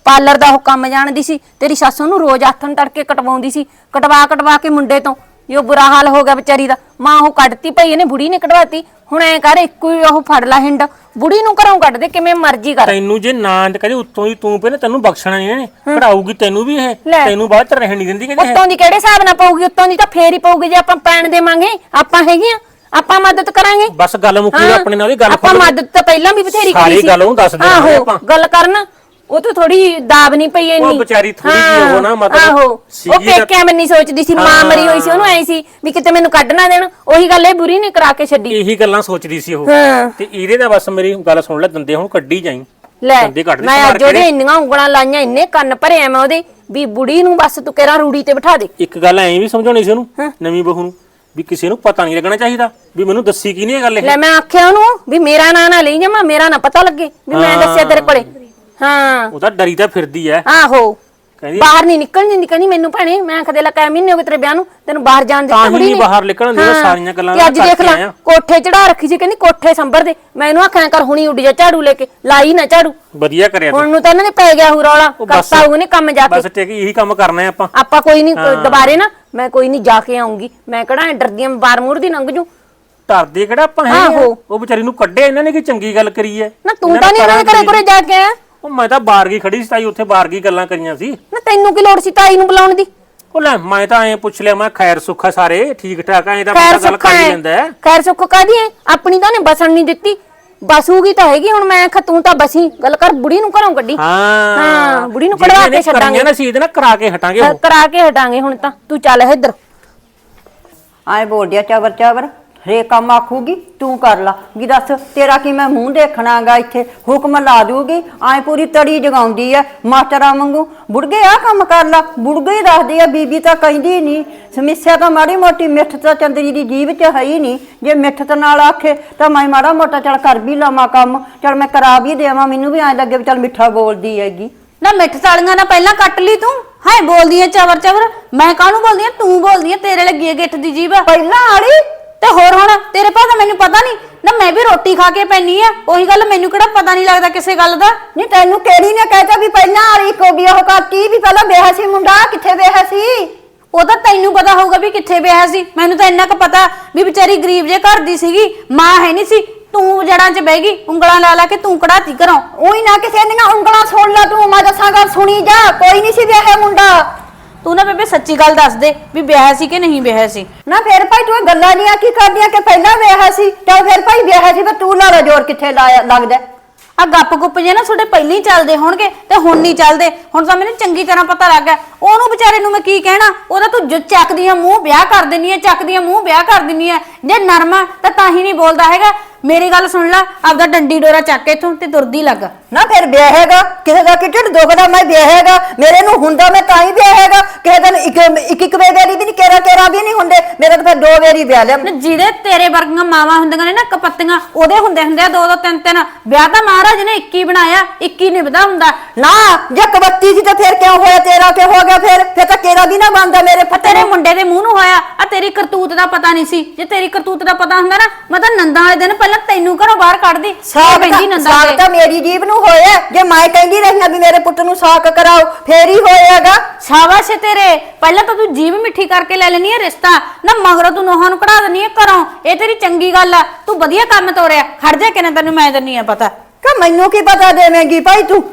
[SPEAKER 3] ਪਾਰਲਰ ਦਾ ਉਹ ਕੰਮ ਜਾਣਦੀ ਸੀ, ਤੇਰੀ ਸੱਸ ਉਹਨੂੰ ਰੋਜ਼ ਆਥਣ ਤੜਕੇ ਕਟਵਾਉਂਦੀ ਸੀ, ਕਟਵਾ ਕੇ ਮੁੰਡੇ ਤੋਂ ਇਹ ਬੁਰਾ ਹਾਲ ਹੋ ਗਿਆ ਵਿਚਾਰੀ ਦਾ। ਮਾਂ ਉਹ ਕੱਢਤੀ ਪਈ ਇਹਨੇ, ਬੁੜੀ ਨੇ ਕਢਵਾਤੀ। ਹੁਣ ਐ ਕਰ ਇੱਕੋ ਹੀ ਉਹ ਫੜ ਲਾ ਹਿੰਡ, ਬੁੜੀ ਨੂੰ ਘਰੋਂ ਕੱਢ ਦੇ ਕਿਵੇਂ ਮਰਜ਼ੀ ਕਰ।
[SPEAKER 4] ਤੈਨੂੰ ਜੇ ਨਾ ਕਹਦੇ ਉੱਤੋਂ ਹੀ ਤੂੰ ਪਹਿਲੇ ਤੈਨੂੰ ਬਖਸ਼ਣਾ ਨਹੀਂ ਇਹਨੇ, ਕਢਾਊਗੀ ਤੈਨੂੰ ਵੀ ਇਹ, ਤੈਨੂੰ ਬਾਅਦ ਚ ਰਹਿਣ ਨਹੀਂ ਦਿੰਦੀ ਕਹਿੰਦੇ
[SPEAKER 3] ਉੱਤੋਂ ਦੀ ਕਿਹੜੇ ਹਿਸਾਬ ਨਾਲ ਪਊਗੀ? ਉੱਤੋਂ ਦੀ ਤਾਂ ਫੇਰ ਹੀ ਪਊਗੀ ਜੇ ਆਪਾਂ ਪੈਣ ਦੇਵਾਂਗੇ। ਆਪਾਂ ਹੈਗੀਆਂ, ਆਪਾਂ ਮਦਦ ਕਰਾਂਗੇ।
[SPEAKER 4] ਬਸ ਗੱਲ ਮੁੱਕੀ ਆਪਣੇ ਨਾਲ, ਉਹਦੀ ਗੱਲ
[SPEAKER 3] ਆਪਾਂ ਮਦਦ ਤਾਂ ਪਹਿਲਾਂ ਵੀ ਬਥੇਰੀ
[SPEAKER 4] ਸਾਰੀ
[SPEAKER 3] ਕੀਤੀ ਸੀ।
[SPEAKER 4] ਗੱਲ ਉਹਨੂੰ ਦੱਸ ਦੇਣਾ
[SPEAKER 3] ਆਹੋ,
[SPEAKER 4] ਆਪਾਂ।
[SPEAKER 3] ਗੱਲ ਕਰਨ ਉਹ ਤਾਂ ਥੋੜੀ ਦਾਬ ਨਹੀਂ ਪਈ ਇੰਨੀ।
[SPEAKER 4] ਉਹ ਵਿਚਾਰੀ ਥੋੜੀ ਜਿਹੀ ਉਹ ਨਾ ਮਤਲਬ
[SPEAKER 3] ਆਹੋ, ਉਹ ਪੇਕਿਆਂ ਮੈਂ ਨਹੀਂ ਸੋਚਦੀ ਸੀ, ਮਾਂ ਮਰੀ ਹੋਈ ਸੀ, ਉਹਨੂੰ ਐ ਸੀ ਵੀ ਕਿਤੇ ਮੈਨੂੰ ਕੱਢ ਨਾ ਦੇਣ। ਉਹੀ ਗੱਲ ਇਹ ਬੁਰੀ ਨੇ ਕਰਾ ਕੇ ਛੱਡੀ।
[SPEAKER 4] ਇਹੀ ਗੱਲਾਂ ਸੋਚਦੀ ਸੀ ਉਹ।
[SPEAKER 3] ਹਾਂ
[SPEAKER 4] ਤੇ ਇਹਦੇ ਦਾ ਬਸ ਮੇਰੀ ਗੱਲ ਸੁਣ ਲੈ, ਦੰਦੇ ਹੁਣ ਕੱਢੀ ਜਾਈ।
[SPEAKER 3] ਲੈ
[SPEAKER 4] ਦੰਦੇ ਕੱਢ ਦੇ
[SPEAKER 3] ਮੈਂ
[SPEAKER 4] ਮਾਰ
[SPEAKER 3] ਅੱਜ ਉਹਦੇ
[SPEAKER 4] ਕੇ।
[SPEAKER 3] ਇੰਨੀਆਂ ਉਂਗਲਾਂ ਲਾਈਆਂ, ਇੰਨੇ ਕੰਨ ਭਰੇ ਆ ਮੈਂ ਉਹਦੇ ਵੀ ਬੁੜੀ ਨੂੰ ਬਸ ਤੂੰ ਕਿਹੜਾ ਰੂੜੀ ਤੇ ਬਿਠਾ ਦੇ।
[SPEAKER 4] ਇੱਕ ਗੱਲ ਐਂ ਵੀ ਸਮਝਾਉਣੀ ਸੀ ਉਹਨੂੰ, ਨਵੀਂ ਬਹੂ ਨੂੰ, ਵੀ ਕਿਸੇ ਨੂੰ ਪਤਾ ਨਹੀਂ ਲੱਗਣਾ ਚਾਹੀਦਾ ਵੀ ਮੈਨੂੰ ਦੱਸੀ ਕੀ ਨਹੀਂ ਇਹ ਗੱਲ ਇਹ।
[SPEAKER 3] ਲੈ ਮੈਂ ਆਖਿਆ ਉਹਨੂੰ ਵੀ ਮੇਰਾ ਨਾਂ ਨਾ ਲਈ ਜਾਵਾਂ, ਮੇਰਾ ਨਾ ਪਤਾ ਲੱਗੇ ਵੀ ਮੈਂ ਦੱਸਿਆ ਤੇਰੇ ਕੋਲੇ। ਹਾਂ
[SPEAKER 4] ਉਹ ਤਾਂ ਡਰੀ ਤਾਂ ਫਿਰਦੀ ਐ,
[SPEAKER 3] ਆਹੋ,
[SPEAKER 4] ਕਹਿੰਦੀ
[SPEAKER 3] ਬਾਹਰ ਨਹੀਂ ਨਿਕਲਣ ਦਿੰਦੀ। ਕਹਿੰਦੀ ਮੈਨੂੰ ਭੈਣੇ, ਮੈਂ ਕਦੇ ਲਾ ਕਾ ਮਹੀਨੇ ਹੋ ਗਏ ਤੇਰੇ ਵਿਆਹ ਨੂੰ, ਤੈਨੂੰ ਬਾਹਰ ਜਾਣ ਦਿੱਤਾ
[SPEAKER 4] ਤਾਂ ਹੀ
[SPEAKER 3] ਬੁੜੀ
[SPEAKER 4] ਨਹੀਂ
[SPEAKER 3] ਨੇ।
[SPEAKER 4] ਬਾਹਰ ਨਿਕਲਣ ਦੇ, ਸਾਰੀਆਂ ਗੱਲਾਂ
[SPEAKER 3] ਤੇ ਅੱਜ ਦੇਖ
[SPEAKER 4] ਕਰਕੇ
[SPEAKER 3] ਲੈ
[SPEAKER 4] ਆਇਆ।
[SPEAKER 3] ਕੋਠੇ ਚੜਾ ਰੱਖੀ ਸੀ, ਕਹਿੰਦੀ ਕੋਠੇ ਸੰਭਰ ਦੇ। ਮੈਂ ਇਹਨੂੰ ਆਖਿਆ ਕਰ ਹੁਣੀ ਉੱਡ ਜਾ ਝਾੜੂ ਲੈ ਕੇ, ਲਾਈ ਨਾ ਝਾੜੂ।
[SPEAKER 4] ਵਧੀਆ ਕਰਿਆ ਤੂੰ।
[SPEAKER 3] ਹੁਣ ਨੂੰ ਤਾਂ ਇਹਨਾਂ ਨੇ ਪੈ ਗਿਆ ਹੂ ਰੌਲਾ, ਕਰਤਾ ਉਹਨੇ ਕੰਮ ਜਾ ਕੇ।
[SPEAKER 4] ਬਸ ਟਿਕ ਇਹੀ ਕੰਮ ਕਰਨਾ ਹੈ ਆਪਾਂ।
[SPEAKER 3] ਆਪਾਂ ਕੋਈ ਨਹੀਂ ਦੁਬਾਰੇ ਨਾ, ਮੈਂ ਕੋਈ ਨਹੀਂ ਜਾ ਕੇ ਆਉਂਗੀ। ਮੈਂ ਕਿਹੜਾ ਡਰਦੀ ਆਂ ਬਾਰ ਮੂਰ ਦੀ ਲੰਘ ਜੂ।
[SPEAKER 4] ਧਰਦੇ ਕਿਹੜਾ ਆਪਾਂ ਹੈ। ਉਹ ਵਿਚਾਰੀ ਨੂੰ ਕੱਢਿਆ ਇਹਨਾਂ ਨੇ, ਕੀ ਚੰਗੀ ਗੱਲ ਕਰੀ ਐ।
[SPEAKER 3] ਨਾ ਤੂੰ ਤਾਂ ਨਹੀਂ ਇਹਨਾਂ ਦੇ ਘਰੇ ਘਰੇ ਜਾ ਕੇ ਆਇਆ।
[SPEAKER 4] ਉਹ ਮੈਂ ਤਾਂ ਬਾਰਗੀ ਖੜੀ ਸੀ ਤਾਈ, ਉੱਥੇ ਬਾਰਗੀ ਗੱਲਾਂ ਕਰੀਆਂ ਸੀ।
[SPEAKER 3] ਨਾ ਤੈਨੂੰ ਕੀ ਲੋੜ ਸੀ ਤਾਈ ਨੂੰ ਬੁਲਾਉਣ ਦੀ?
[SPEAKER 4] ਉਹ ਲੈ ਮੈਂ ਤਾਂ ਐਂ ਪੁੱਛ ਲਿਆ, ਮੈਂ ਖੈਰ ਸੁੱਖਾ ਸਾਰੇ ਠੀਕ ਠਾਕ ਐਂ ਤਾਂ ਬੰਦਾ ਗੱਲ ਕਰ ਹੀ ਲੈਂਦਾ ਹੈ।
[SPEAKER 3] ਖੈਰ ਸੁੱਖ ਕਾਦੀ ਐ? ਆਪਣੀ ਤਾਂ ਨੇ ਬਸਣ ਨਹੀਂ ਦਿੱਤੀ, ਬਸੂਗੀ ਤਾਂ ਹੈਗੀ। ਹੁਣ ਮੈਂ ਤੂੰ ਤਾਂ ਬਸੀ, ਗੱਲ ਕਰ ਬੁੜੀ ਨੂੰ ਘਰੋਂ ਕੱਢੀ। ਹਾਂ ਬੁੜੀ ਨੂੰ ਕਢਵਾ ਕੇ ਛੱਡਾਂਗੇ
[SPEAKER 4] ਨਾ, ਸੀ ਇਹਦੇ ਨਾਲ ਕਰਾ ਕੇ ਹਟਾਂਗੇ ਉਹ।
[SPEAKER 3] ਕਰਾ ਕੇ ਹਟਾਂਗੇ। ਹੁਣ ਤਾਂ ਤੂੰ ਚੱਲ ਇੱਧਰ।
[SPEAKER 1] ਆਏ ਬੋਲਦਿਆ ਚਾਵਰ ਚਾਵਰ ਰੇ ਕੰਮ ਆਖੂਗੀ ਤੂੰ ਕਰ ਲਾ ਵੀ ਦੱਸ ਤੇਰਾ ਕੀ ਮੈਂ ਮੂੰਹ ਦੇਖਣਾਗਾ ਇੱਥੇ ਹੁਕਮ ਲਾ ਦੂਗੀ ਆਏ ਪੂਰੀ ਤੜੀ ਜਗਾਉਂਦੀ ਐ ਮਾਸਟਰਾਂ ਵਾਂਗੂ ਬੁੜਗੇ ਆ ਕੰਮ ਕਰ ਲਾ ਬੁੜਗੇ ਹੀ ਦੱਸਦੀ ਐ ਬੀਬੀ ਤਾਂ ਕਹਿੰਦੀ ਨਹੀਂ ਸਮੱਸਿਆ ਤਾਂ ਮਾੜੀ ਮੋਟੀ ਮਿੱਠ ਤਾਂ ਚੰਦਰੀ ਦੀ ਜੀਭ 'ਚ ਹੈ ਹੀ ਨਹੀਂ ਜੇ ਮਿੱਠਤ ਨਾਲ ਆਖੇ ਤਾਂ ਮੈਂ ਮਾੜਾ ਮੋਟਾ ਚੱਲ ਕਰ ਵੀ ਲਾਵਾਂ ਕੰਮ ਚੱਲ ਮੈਂ ਕਰਾ ਵੀ ਦੇਵਾਂ ਮੈਨੂੰ ਵੀ ਐਂ ਲੱਗੇ ਵੀ ਚੱਲ ਮਿੱਠਾ ਬੋਲਦੀ ਹੈਗੀ
[SPEAKER 2] ਨਾ ਮਿੱਠ ਸਾਲੀਆਂ ਨਾ ਪਹਿਲਾਂ ਕੱਟ ਲਈ ਤੂੰ ਹਾਏ ਬੋਲਦੀ ਐ ਚਵਰ ਚਵਰ ਮੈਂ ਕਾਹਨੂੰ ਬੋਲਦੀ ਐ ਤੂੰ ਬੋਲਦੀ ਐ ਤੇਰੇ ਲੱਗੀ ਐ ਗਿੱਠ ਦੀ ਜੀਭ
[SPEAKER 1] ਪਹਿਲਾਂ ਵਾਲੀ
[SPEAKER 2] ਤੇ ਹੋਰ ਹੁਣ ਤੇਰੇ ਪਾ ਤਾਂ ਮੈਨੂੰ ਪਤਾ ਨਹੀਂ ਨਾ ਮੈਂ ਵੀ ਰੋਟੀ ਖਾ ਕੇ ਪੈਣੀ ਆ ਉਹੀ ਗੱਲ ਮੈਨੂੰ ਕਿਹੜਾ ਪਤਾ ਨਹੀਂ ਲੱਗਦਾ ਕਿਸੇ ਗੱਲ ਦਾ
[SPEAKER 1] ਨਹੀਂ ਤੈਨੂੰ ਕਿਹੜੀ ਨੇ ਕਹਿਤਾ ਵੀ ਪਹਿਲਾਂ ਵਾਲੀ ਕੋ ਵੀ ਉਹ ਕਰਤੀ ਵੀ ਪਹਿਲਾਂ ਵਿਆਹ ਸੀ ਮੁੰਡਾ ਕਿੱਥੇ ਵਿਆਹ ਸੀ
[SPEAKER 2] ਉਹ ਤਾਂ ਤੈਨੂੰ ਪਤਾ ਹੋਊਗਾ ਵੀ ਕਿੱਥੇ ਵਿਆਹ ਸੀ ਮੈਨੂੰ ਤਾਂ ਇੰਨਾ ਕੁ ਪਤਾ ਵੀ ਵਿਚਾਰੀ ਗਰੀਬ ਜੇ ਘਰ ਦੀ ਸੀਗੀ ਮਾਂ ਹੈ ਨਹੀਂ ਸੀ ਤੂੰ ਜੜਾਂ 'ਚ ਬਹਿ ਗਈ ਉਂਗਲਾਂ ਲਾ ਲਾ ਕੇ ਤੂੰ ਕਢਾਤੀ ਘਰੋਂ
[SPEAKER 1] ਉਹੀ ਨਾ ਕਿਸੇ ਦੀਆਂ ਉਂਗਲਾਂ ਸੁਣ ਲਾ ਤੂੰ ਮੈਂ ਦੱਸਾਂ ਗੱਲ ਸੁਣੀ ਜਾ ਕੋਈ ਨਹੀਂ ਸੀ ਵਿਆਹ ਮੁੰਡਾ
[SPEAKER 2] ਤੂੰ ਨਾ ਬੇਬੇ ਸੱਚੀ ਗੱਲ ਦੱਸ ਦੇ ਵੀ ਵਿਆਹ ਸੀ ਕਿ ਨਹੀਂ ਵਿਆਹ ਸੀ
[SPEAKER 1] ਨਾ ਫਿਰ ਭਾਈ ਤੂੰ ਇਹ ਗੱਲਾਂ ਦੀਆਂ ਕੀ ਕਰਦੀਆਂ ਕਿ ਪਹਿਲਾਂ ਵਿਆਹ ਸੀ ਚੱਲ ਫਿਰ ਭਾਈ ਵਿਆਹ ਸੀ ਪਰ ਤੂੰ ਲਾਲਾ ਜੋਰ ਕਿੱਥੇ ਲਾਇਆ ਲੱਗਦਾ
[SPEAKER 2] ਆ ਗੱਪ ਗੁੱਪ ਜੇ ਨਾ ਤੁਹਾਡੇ ਪਹਿਲਾਂ ਹੀ ਚੱਲਦੇ ਹੋਣਗੇ ਤੇ ਹੁਣ ਨਹੀਂ ਚੱਲਦੇ ਹੁਣ ਤਾਂ ਮੈਨੂੰ ਚੰਗੀ ਤਰ੍ਹਾਂ ਪਤਾ ਲੱਗ ਗਿਆ ਉਹਨੂੰ ਵਿਚਾਰੇ ਨੂੰ ਮੈਂ ਕੀ ਕਹਿਣਾ ਉਹਦਾ ਤੂੰ ਜੋ ਚੱਕਦੀ ਆ ਮੂੰਹ ਵਿਆਹ ਕਰ ਦਿੰਨੀ ਆ ਚੱਕਦੀ ਆ ਮੂੰਹ ਵਿਆਹ ਕਰ ਦਿੰਨੀ ਆ ਜੇ ਨਰਮਾ ਤਾਂ ਹੀ ਨਹੀਂ ਬੋਲਦਾ ਹੈਗਾ ਮੇਰੀ ਗੱਲ ਸੁਣ ਲੈ ਆਪਦਾ ਡੰਡੀ ਡੋਰਾ ਚੱਕ ਕੇ ਤੂੰ ਤੇ ਤੁਰਦੀ ਲੱਗ
[SPEAKER 1] ਨਾ ਫਿਰ ਵਿਆਹ ਹੈਗਾ ਕਿਸੇ ਦਾ ਕਿ ਢਿੱਡ ਦੁਖਦਾ ਮੈਂ ਵਿਆਹ ਹੈਗਾ ਮੇਰੇ ਨੂੰ ਹੁੰਦਾ ਮੈਂ ਤਾਂ ਹੀ ਵਿਆਹ ਹੈਗਾ ਕਿਸੇ ਦਿਨ ਇੱਕ ਵੇਰੀ ਵੀ ਨਹੀਂ ਕੇਰਾ ਵੀ ਨਹੀਂ ਹੁੰਦੇ ਮੇਰੇ ਤਾਂ ਫਿਰ 2 ਵੇਰੀ ਵਿਆਹ ਲਿਆ
[SPEAKER 2] ਜਿਹਦੇ ਤੇਰੇ ਵਰਗੀਆਂ ਮਾਵਾਂ ਹੁੰਦੀਆਂ ਨੇ ਨਾ ਕਪੱਤੀਆਂ ਉਹਦੇ ਹੁੰਦੇ ਆ 2 3 ਵਿਆਹ ਤਾਂ ਮਹਾਰਾਜ ਨੇ 21 ਬਣਾਇਆ 21 ਨਿਭਦਾ ਹੁੰਦਾ
[SPEAKER 1] ਨਾ ਜੇ ਕਬੱਤੀ ਸੀ ਤਾਂ ਫਿਰ ਕਿਉਂ ਹੋਇਆ ਤੇਰਾ ਕਿ ਹੋ ਗਿਆ ਫਿਰ ਤਾਂ ਕੇਰਾ ਵੀ ਨਾ ਬਣਦਾ ਮੇਰੇ
[SPEAKER 2] ਤੇਰੇ ਮੁੰਡੇ ਦੇ ਮੂੰਹ ਨੂੰ ਹੋਇਆ ਆ ਤੇਰੀ ਕਰਤੂਤ ਦਾ ਪਤਾ ਨਹੀਂ ਸੀ ਜੇ ਤੇਰੀ ਕਰਤੂਤ ਦਾ ਪਤਾ ਹੁੰਦਾ ਨਾ ਮੈਂ ਤਾਂ ਨੰਦਾਂ ਵਾਲੇ ਦਿਨ ਪਹਿਲਾਂ ਤੈਨੂੰ ਘਰੋਂ ਬਾਹਰ ਕੱਢਦੀ
[SPEAKER 1] ਸਾਗ ਤਾਂ ਮੇਰੀ ਜੀਬ ਨੂੰ ਹੋਇਆ ਜੇ ਮੈਂ ਕਹਿੰਦੀ ਰਹੀ ਵੀ ਮੇਰੇ ਪੁੱਤ ਨੂੰ ਸਾਕ ਕਰਾਓ ਫੇਰ ਹੀ ਹੋਏਗਾ
[SPEAKER 2] ਸ਼ਾਬਾਸ਼ ਤੇਰੇ ਪਹਿਲਾਂ ਤਾਂ ਤੂੰ ਜੀਭ ਮਿੱਠੀ ਕਰਕੇ ਲੈ ਲੈਣੀ ਹੈ ਰਿਸ਼ਤਾ ਨਾ ਮਗਰੋਂ ਤੂੰ ਨੋਹਾਂ ਨੂੰ ਕਢਾ ਦੇਣੀ ਹੈ ਘਰੋਂ ਇਹ ਤੇਰੀ ਚੰਗੀ ਗੱਲ ਆ ਤੂੰ ਵਧੀਆ ਕੰਮ ਤੋਰਿਆ ਖੜ ਜਾ ਕਿਨੇ ਤੈਨੂੰ ਮੈਂ ਦਿੰਨੀ ਆ ਪਤਾ
[SPEAKER 1] ਕਿ ਮੈਨੂੰ ਕੀ ਪਤਾ ਦੇਵੇਂਗੀ ਭਾਈ ਤੂੰ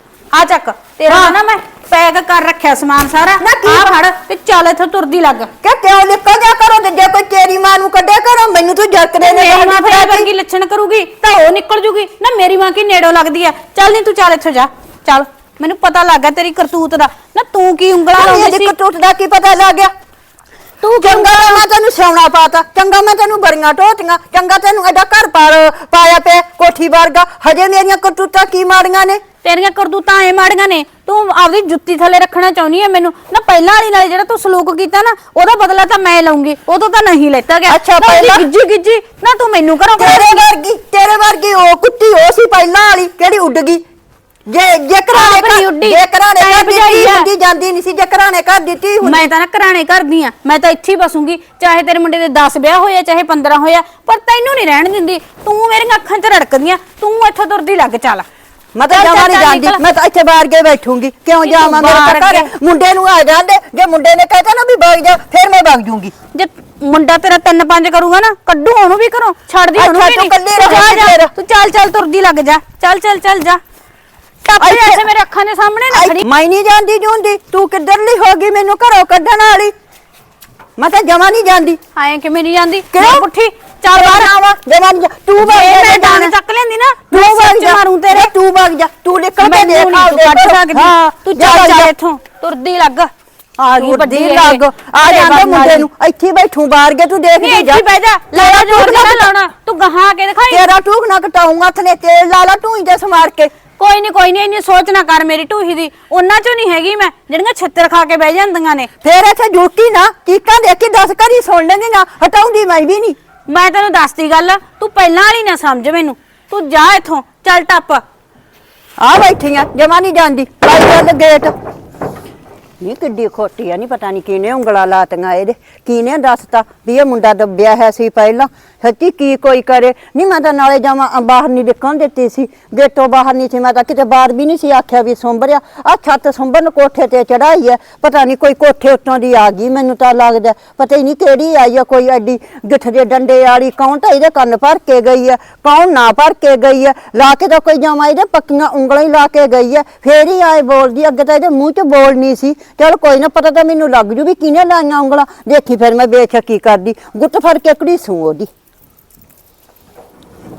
[SPEAKER 2] ਆ ਚੱਕ ਤੇਰਾ ਨਾ ਮੈਂ ਪੈਕ ਕਰ ਰੱਖਿਆ ਸਮਾਨ ਸਾਰਾ ਆ ਫੜ ਤੇ ਚੱਲ ਇੱਥੋਂ ਤੁਰਦੀ ਲੱਗ
[SPEAKER 1] ਕਿ ਕਿਉਂ ਨਿਕਲ ਜਾ ਕਰੋ ਤੇ ਜੇ ਕੋਈ ਤੇਰੀ ਮਾਂ ਨੂੰ ਕੱਢਿਆ ਕਰੋ ਮੈਨੂੰ ਤੂੰ ਜਰਕਦੇ ਨੇ
[SPEAKER 2] ਮੇਰੀ ਮਾਂ ਫਿਰ ਵਰਗੀ ਲੱਛਣ ਕਰੂਗੀ ਤਾਂ ਉਹ ਨਿਕਲ ਜੂਗੀ ਨਾ ਮੇਰੀ ਮਾਂ ਕੀ ਨੇੜੋਂ ਲੱਗਦੀ ਆ ਚੱਲ ਨਹੀਂ ਤੂੰ ਚੱਲ ਇੱਥੋਂ ਜਾ ਚੱਲ ਮੈਨੂੰ ਪਤਾ ਲੱਗ ਗਿਆ ਤੇਰੀ ਕਰਤੂਤ ਦਾ ਨਾ ਤੂੰ ਕੀ ਉਂਗਲਾਂ ਲਾਉਂਦੀ ਸੀ
[SPEAKER 1] ਕਰਤੂਤ ਦਾ ਕੀ ਪਤਾ ਲੱਗ ਗਿਆ ਤੂੰ ਚੰਗਾ ਮੈਂ ਤੈਨੂੰ ਸਿਆਉਣਾ ਪਾਤਾ ਚੰਗਾ ਮੈਂ ਤੈਨੂੰ ਬੜੀਆਂ ਟੋਟੀਆਂ ਚੰਗਾ ਤੈਨੂੰ ਐਡਾ ਘਰ ਪਾਇਆ ਪਿਆ ਕੋਠੀ ਵਰਗਾ ਹਜੇ ਮੇਰੀਆਂ ਕਰਤੂਤਾਂ ਕੀ ਮਾੜੀਆਂ ਨੇ
[SPEAKER 2] ਤੇਰੀਆਂ ਕਰਤੂਤਾਂ ਐ ਮਾੜੀਆਂ ਨੇ ਤੂੰ ਆਪਦੀ ਜੁੱਤੀ ਥੱਲੇ ਰੱਖਣਾ ਚਾਹੁੰਦੀ ਐ ਮੈਨੂੰ ਨਾ ਪਹਿਲਾਂ ਵਾਲੀ ਨਾਲ ਜਿਹੜਾ ਤੂੰ ਸਲੂਕ ਕੀਤਾ ਨਾ ਉਹਦਾ ਬਦਲਾ ਤਾਂ ਮੈਂ ਲਊਂਗੀ ਉਦੋਂ ਤਾਂ ਨਹੀਂ ਲੈਤਾ ਗਿਆ
[SPEAKER 1] ਅੱਛਾ ਪਹਿਲਾਂ
[SPEAKER 2] ਗਿੱਜੀ ਨਾ ਤੂੰ ਮੈਨੂੰ ਘਰੋਂ
[SPEAKER 1] ਤੇਰੇ ਵਰਗੀ ਉਹ ਕੁੱਤੀ ਉਹ ਸੀ ਪਹਿਲਾਂ ਵਾਲੀ ਕਿਹੜੀ ਉੱਡ ਗਈ ਜੇ ਘਰਾਣੇ ਜਾਂਦੀ ਨਹੀਂ ਸੀ ਜੇ ਘਰਾਣੇ ਘਰ ਦਿੱਤੀ
[SPEAKER 2] ਮੈਂ ਤਾਂ ਨਾ ਘਰਾਣੇ ਕਰਦੀ ਆ ਮੈਂ ਤਾਂ ਇੱਥੇ ਹੀ ਬਸੂੰਗੀ ਚਾਹੇ ਤੇਰੇ ਮੁੰਡੇ ਦੇ 10 ਵਿਆਹ ਹੋਇਆ ਚਾਹੇ 15 ਹੋਇਆ ਪਰ ਤੈਨੂੰ ਨਹੀਂ ਰਹਿਣ ਦਿੰਦੀ ਤੂੰ ਮੇਰੀਆਂ ਅੱਖਾਂ 'ਚ ਰੜਕਦੀਆਂ ਤੂੰ ਇੱਥੋਂ ਤੁਰਦੀ ਲੱਗ ਚੱਲ
[SPEAKER 1] ਮੈਂ ਤਾਂ
[SPEAKER 2] ਚੱਲ,
[SPEAKER 1] ਜਾਵਾਂ ਨਹੀਂ
[SPEAKER 2] ਚੱਲ,
[SPEAKER 1] ਜਾਂਦੀ,
[SPEAKER 2] ਨਿਕਲ।
[SPEAKER 1] ਮੈਂ ਤਾਂ ਇੱਥੇ ਬਾਹਰ ਕੇ ਬੈਠੂੰਗੀ। ਕਿਉਂ
[SPEAKER 2] ਨਹੀਂ, ਤੂੰ
[SPEAKER 1] ਜਾਵਾਂ? ਮੇਰੇ
[SPEAKER 2] ਬਾਹਰ
[SPEAKER 1] ਤਾਂ ਘਰੇ
[SPEAKER 2] ਅੱਗੇ।
[SPEAKER 1] ਮੁੰਡੇ ਨੂੰ ਆ ਜਾਂਦੇ, ਜੇ ਮੁੰਡੇ ਨੇ ਕਹਿਤਾ ਨਾ ਵੀ ਵਗ ਜਾ, ਫਿਰ ਮੈਂ ਵਗ ਜੂੰਗੀ।
[SPEAKER 2] ਜੇ ਮੁੰਡਾ ਤੇਰਾ 3-5 ਕਰੂਗਾ ਨਾ, ਕੱਢੂ ਉਹਨੂੰ ਵੀ ਘਰੋਂ, ਛੱਡਦੀ ਉਹਨੂੰ
[SPEAKER 1] ਅੱਛਾ,
[SPEAKER 2] ਵੀ
[SPEAKER 1] ਤੂੰ
[SPEAKER 2] ਨਹੀਂ।
[SPEAKER 1] ਇਕੱਲੀ
[SPEAKER 2] ਜਾ
[SPEAKER 1] ਰਹੇਂਗੀ
[SPEAKER 2] ਜਾ
[SPEAKER 1] ਫਿਰ।
[SPEAKER 2] ਤੂੰ ਚੱਲ ਤੁਰਦੀ ਲੱਗ ਜਾ, ਚੱਲ ਜਾ ਟੱਪ
[SPEAKER 1] ਇੱਥੇ-
[SPEAKER 2] ਐਸੇ ਮੇਰੇ ਅੱਖਾਂ ਦੇ ਸਾਹਮਣੇ ਨਾ ਖੜੀ।
[SPEAKER 1] ਮੈਂ ਨਹੀਂ ਜਾਂਦੀ ਜੂੰਦੀ, ਤੂੰ ਕਿੱਧਰਲੀ ਹੋ ਗਈ ਮੈਨੂੰ ਘਰੋਂ ਕੱਢਣ ਵਾਲੀ? ਮੈਂ ਤਾਂ ਜਮਾ ਨਹੀਂ ਜਾਂਦੀ।
[SPEAKER 2] ਆਏ ਕਿਵੇਂ ਨਹੀਂ ਜਾਂਦੀ
[SPEAKER 1] ਕਿਉਂ?
[SPEAKER 2] ਮੈਂ ਪੁੱਠੀ ਚੱਲ ਬਾਹਰ
[SPEAKER 1] ਜਾਵਾਂ, ਜਮਾ ਨਹੀਂ ਤੂੰ ਵਗ
[SPEAKER 2] ਜੇ
[SPEAKER 1] ਜਾ,
[SPEAKER 2] ਮੈਂ
[SPEAKER 1] ਜਾਣਾ।
[SPEAKER 2] ਡਾਂਗ ਚੱਕ ਲੈਂਦੀ ਨਾ
[SPEAKER 1] ਤੂੰ
[SPEAKER 2] ਮੈਂ
[SPEAKER 1] ਵਗ
[SPEAKER 2] ਸੱਚ
[SPEAKER 1] ਜਾ,
[SPEAKER 2] ਮਾਰੂ ਤੇਰੇ।
[SPEAKER 1] ਤੂੰ ਵਗ ਜਾ, ਤੂੰ ਨਿਕਲ ਕੇ
[SPEAKER 2] ਮੈਨੂੰ
[SPEAKER 1] ਦੇਖ
[SPEAKER 2] ਨਹੀਂ ਤੂੰ ਕੱਢ ਸਕਦੀ ਤੂੰ ਚੱਲ ਇੱਥੋਂ ਤੁਰਦੀ ਲੱਗ
[SPEAKER 1] ਆ ਗਈ ਵੱਡੀ ਲੱਗ ਆ ਜਾਂਦਾ ਮੁੰਡੇ ਨੂੰ ਇੱਥੇ ਬੈਠੂ ਬਾਹਰ ਕੇ ਤੂੰ ਦੇਖ
[SPEAKER 2] ਨਹੀਂ
[SPEAKER 1] ਕੇ
[SPEAKER 2] ਇੱਥੇ
[SPEAKER 1] ਜਾ।
[SPEAKER 2] ਬਹਿ ਜਾ ਲਾਲਾ ਜੋਰ ਨਾ ਲਾਉਣਾ ਤੂੰ ਗਾਹਾਂ ਕੇ ਦਿਖਾਈ
[SPEAKER 1] ਤੇਰਾ ਟੂਕ ਨਾ ਕਟਾਉਂਗਾ, ਹੱਥ ਨੇ ਤੇਲ ਲਾ ਲਾ ਢੂਈ ਤੇ ਸਮਾਰ ਕੇ।
[SPEAKER 2] ਕੋਈ ਨਹੀਂ ਇੰਨੀ ਸੋਚ ਨਾ ਕਰ ਮੇਰੀ ਢੂਹੀ ਦੀ, ਉਹਨਾਂ ਚੋਂ ਨਹੀਂ ਹੈਗੀ ਮੈਂ ਜਿਹੜੀਆਂ ਛਿੱਤਰ ਖਾ ਕੇ ਬਹਿ ਜਾਂਦੀਆਂ ਨੇ।
[SPEAKER 1] ਫੇਰ ਇੱਥੇ ਜੁੱਟੀ ਨਾ ਚੀਕਾਂ ਦੇਖੀ 10 ਘਰੀ ਸੁਣ ਲੈਂਦੀ ਨਾ, ਹਟਾਉਂਦੀ ਮੈਂ ਵੀ ਨਹੀਂ।
[SPEAKER 2] ਮੈਂ ਤੈਨੂੰ ਦੱਸਦੀ ਗੱਲ, ਤੂੰ ਪਹਿਲਾਂ ਵਾਲੀ ਨਾ ਸਮਝ ਮੈਨੂੰ, ਤੂੰ ਜਾ ਇੱਥੋਂ ਚੱਲ ਟੱਪ।
[SPEAKER 1] ਆ ਬੈਠੀਆਂ ਜਮਾ ਨਹੀਂ ਜਾਂਦੀ, ਪਾਈ ਚੱਲ ਗੇਟ। ਨਹੀਂ ਕਿੱਡੀ ਖੋਟੀ ਆ, ਨਹੀਂ ਪਤਾ ਨਹੀਂ ਕਿਹਨੇ ਉਂਗਲਾ ਲਾਤੀਆਂ ਇਹਦੇ, ਕਿਹਨੇ ਦੱਸਤਾ ਵੀ ਇਹ ਮੁੰਡਾ ਦੱਬਿਆ ਹੈ ਸੀ ਪਹਿਲਾਂ। ਸੱਚੀ ਕੀ ਕੋਈ ਕਰੇ। ਨਹੀਂ ਮੈਂ ਤਾਂ ਨਾਲੇ ਜਾਵਾਂ ਬਾਹਰ ਨਹੀਂ ਨਿਕਲਣ ਦਿੱਤੀ ਸੀ, ਗੇਟੋਂ ਬਾਹਰ ਨਹੀਂ ਸੀ, ਮੈਂ ਤਾਂ ਕਿਤੇ ਬਾਹਰ ਵੀ ਨਹੀਂ ਸੀ ਆਖਿਆ ਵੀ ਸੁੰਬਰਿਆ। ਆ ਛੱਤ ਸੁੰਬਰਨ ਕੋਠੇ ਤੇ ਚੜਾਈ ਹੈ, ਪਤਾ ਨਹੀਂ ਕੋਈ ਕੋਠੇ ਉੱਤੋਂ ਦੀ ਆ ਗਈ, ਮੈਨੂੰ ਤਾਂ ਲੱਗਦਾ ਪਤਾ ਹੀ ਨਹੀਂ ਕਿਹੜੀ ਆਈ ਹੈ, ਕੋਈ ਐਡੀ ਗਿੱਠ ਦੇ ਡੰਡੇ ਵਾਲੀ। ਕੌਣ ਤਾਂ ਇਹਦੇ ਕੰਨ ਭਰ ਕੇ ਗਈ ਹੈ, ਕੌਣ ਨਾ ਭਰ ਕੇ ਗਈ ਹੈ, ਲਾ ਕੇ ਤਾਂ ਕੋਈ ਜਾਵਾਂ ਇਹਦੇ ਪੱਕੀਆਂ ਉਂਗਲਾਂ ਹੀ ਲਾ ਕੇ ਗਈ ਹੈ, ਫੇਰ ਹੀ ਆਏ ਬੋਲਦੀ। ਅੱਗੇ ਤਾਂ ਇਹਦੇ ਮੂੰਹ 'ਚ ਬੋਲਣੀ ਸੀ। ਚਲ ਕੋਈ ਨਾ, ਪਤਾ ਤਾਂ ਮੈਨੂੰ ਲੱਗ ਜੂ ਵੀ ਕਿਹਨੇ ਲਾਈਆਂ ਉਂਗਲਾਂ। ਦੇਖੀ ਫਿਰ ਮੈਂ ਬੇਸ਼ੱਕੀ ਕਰਦੀ, ਗੁੱਟ ਫੜ ਕੇ ਘੜੀਸੂ ਉਹਦੀ।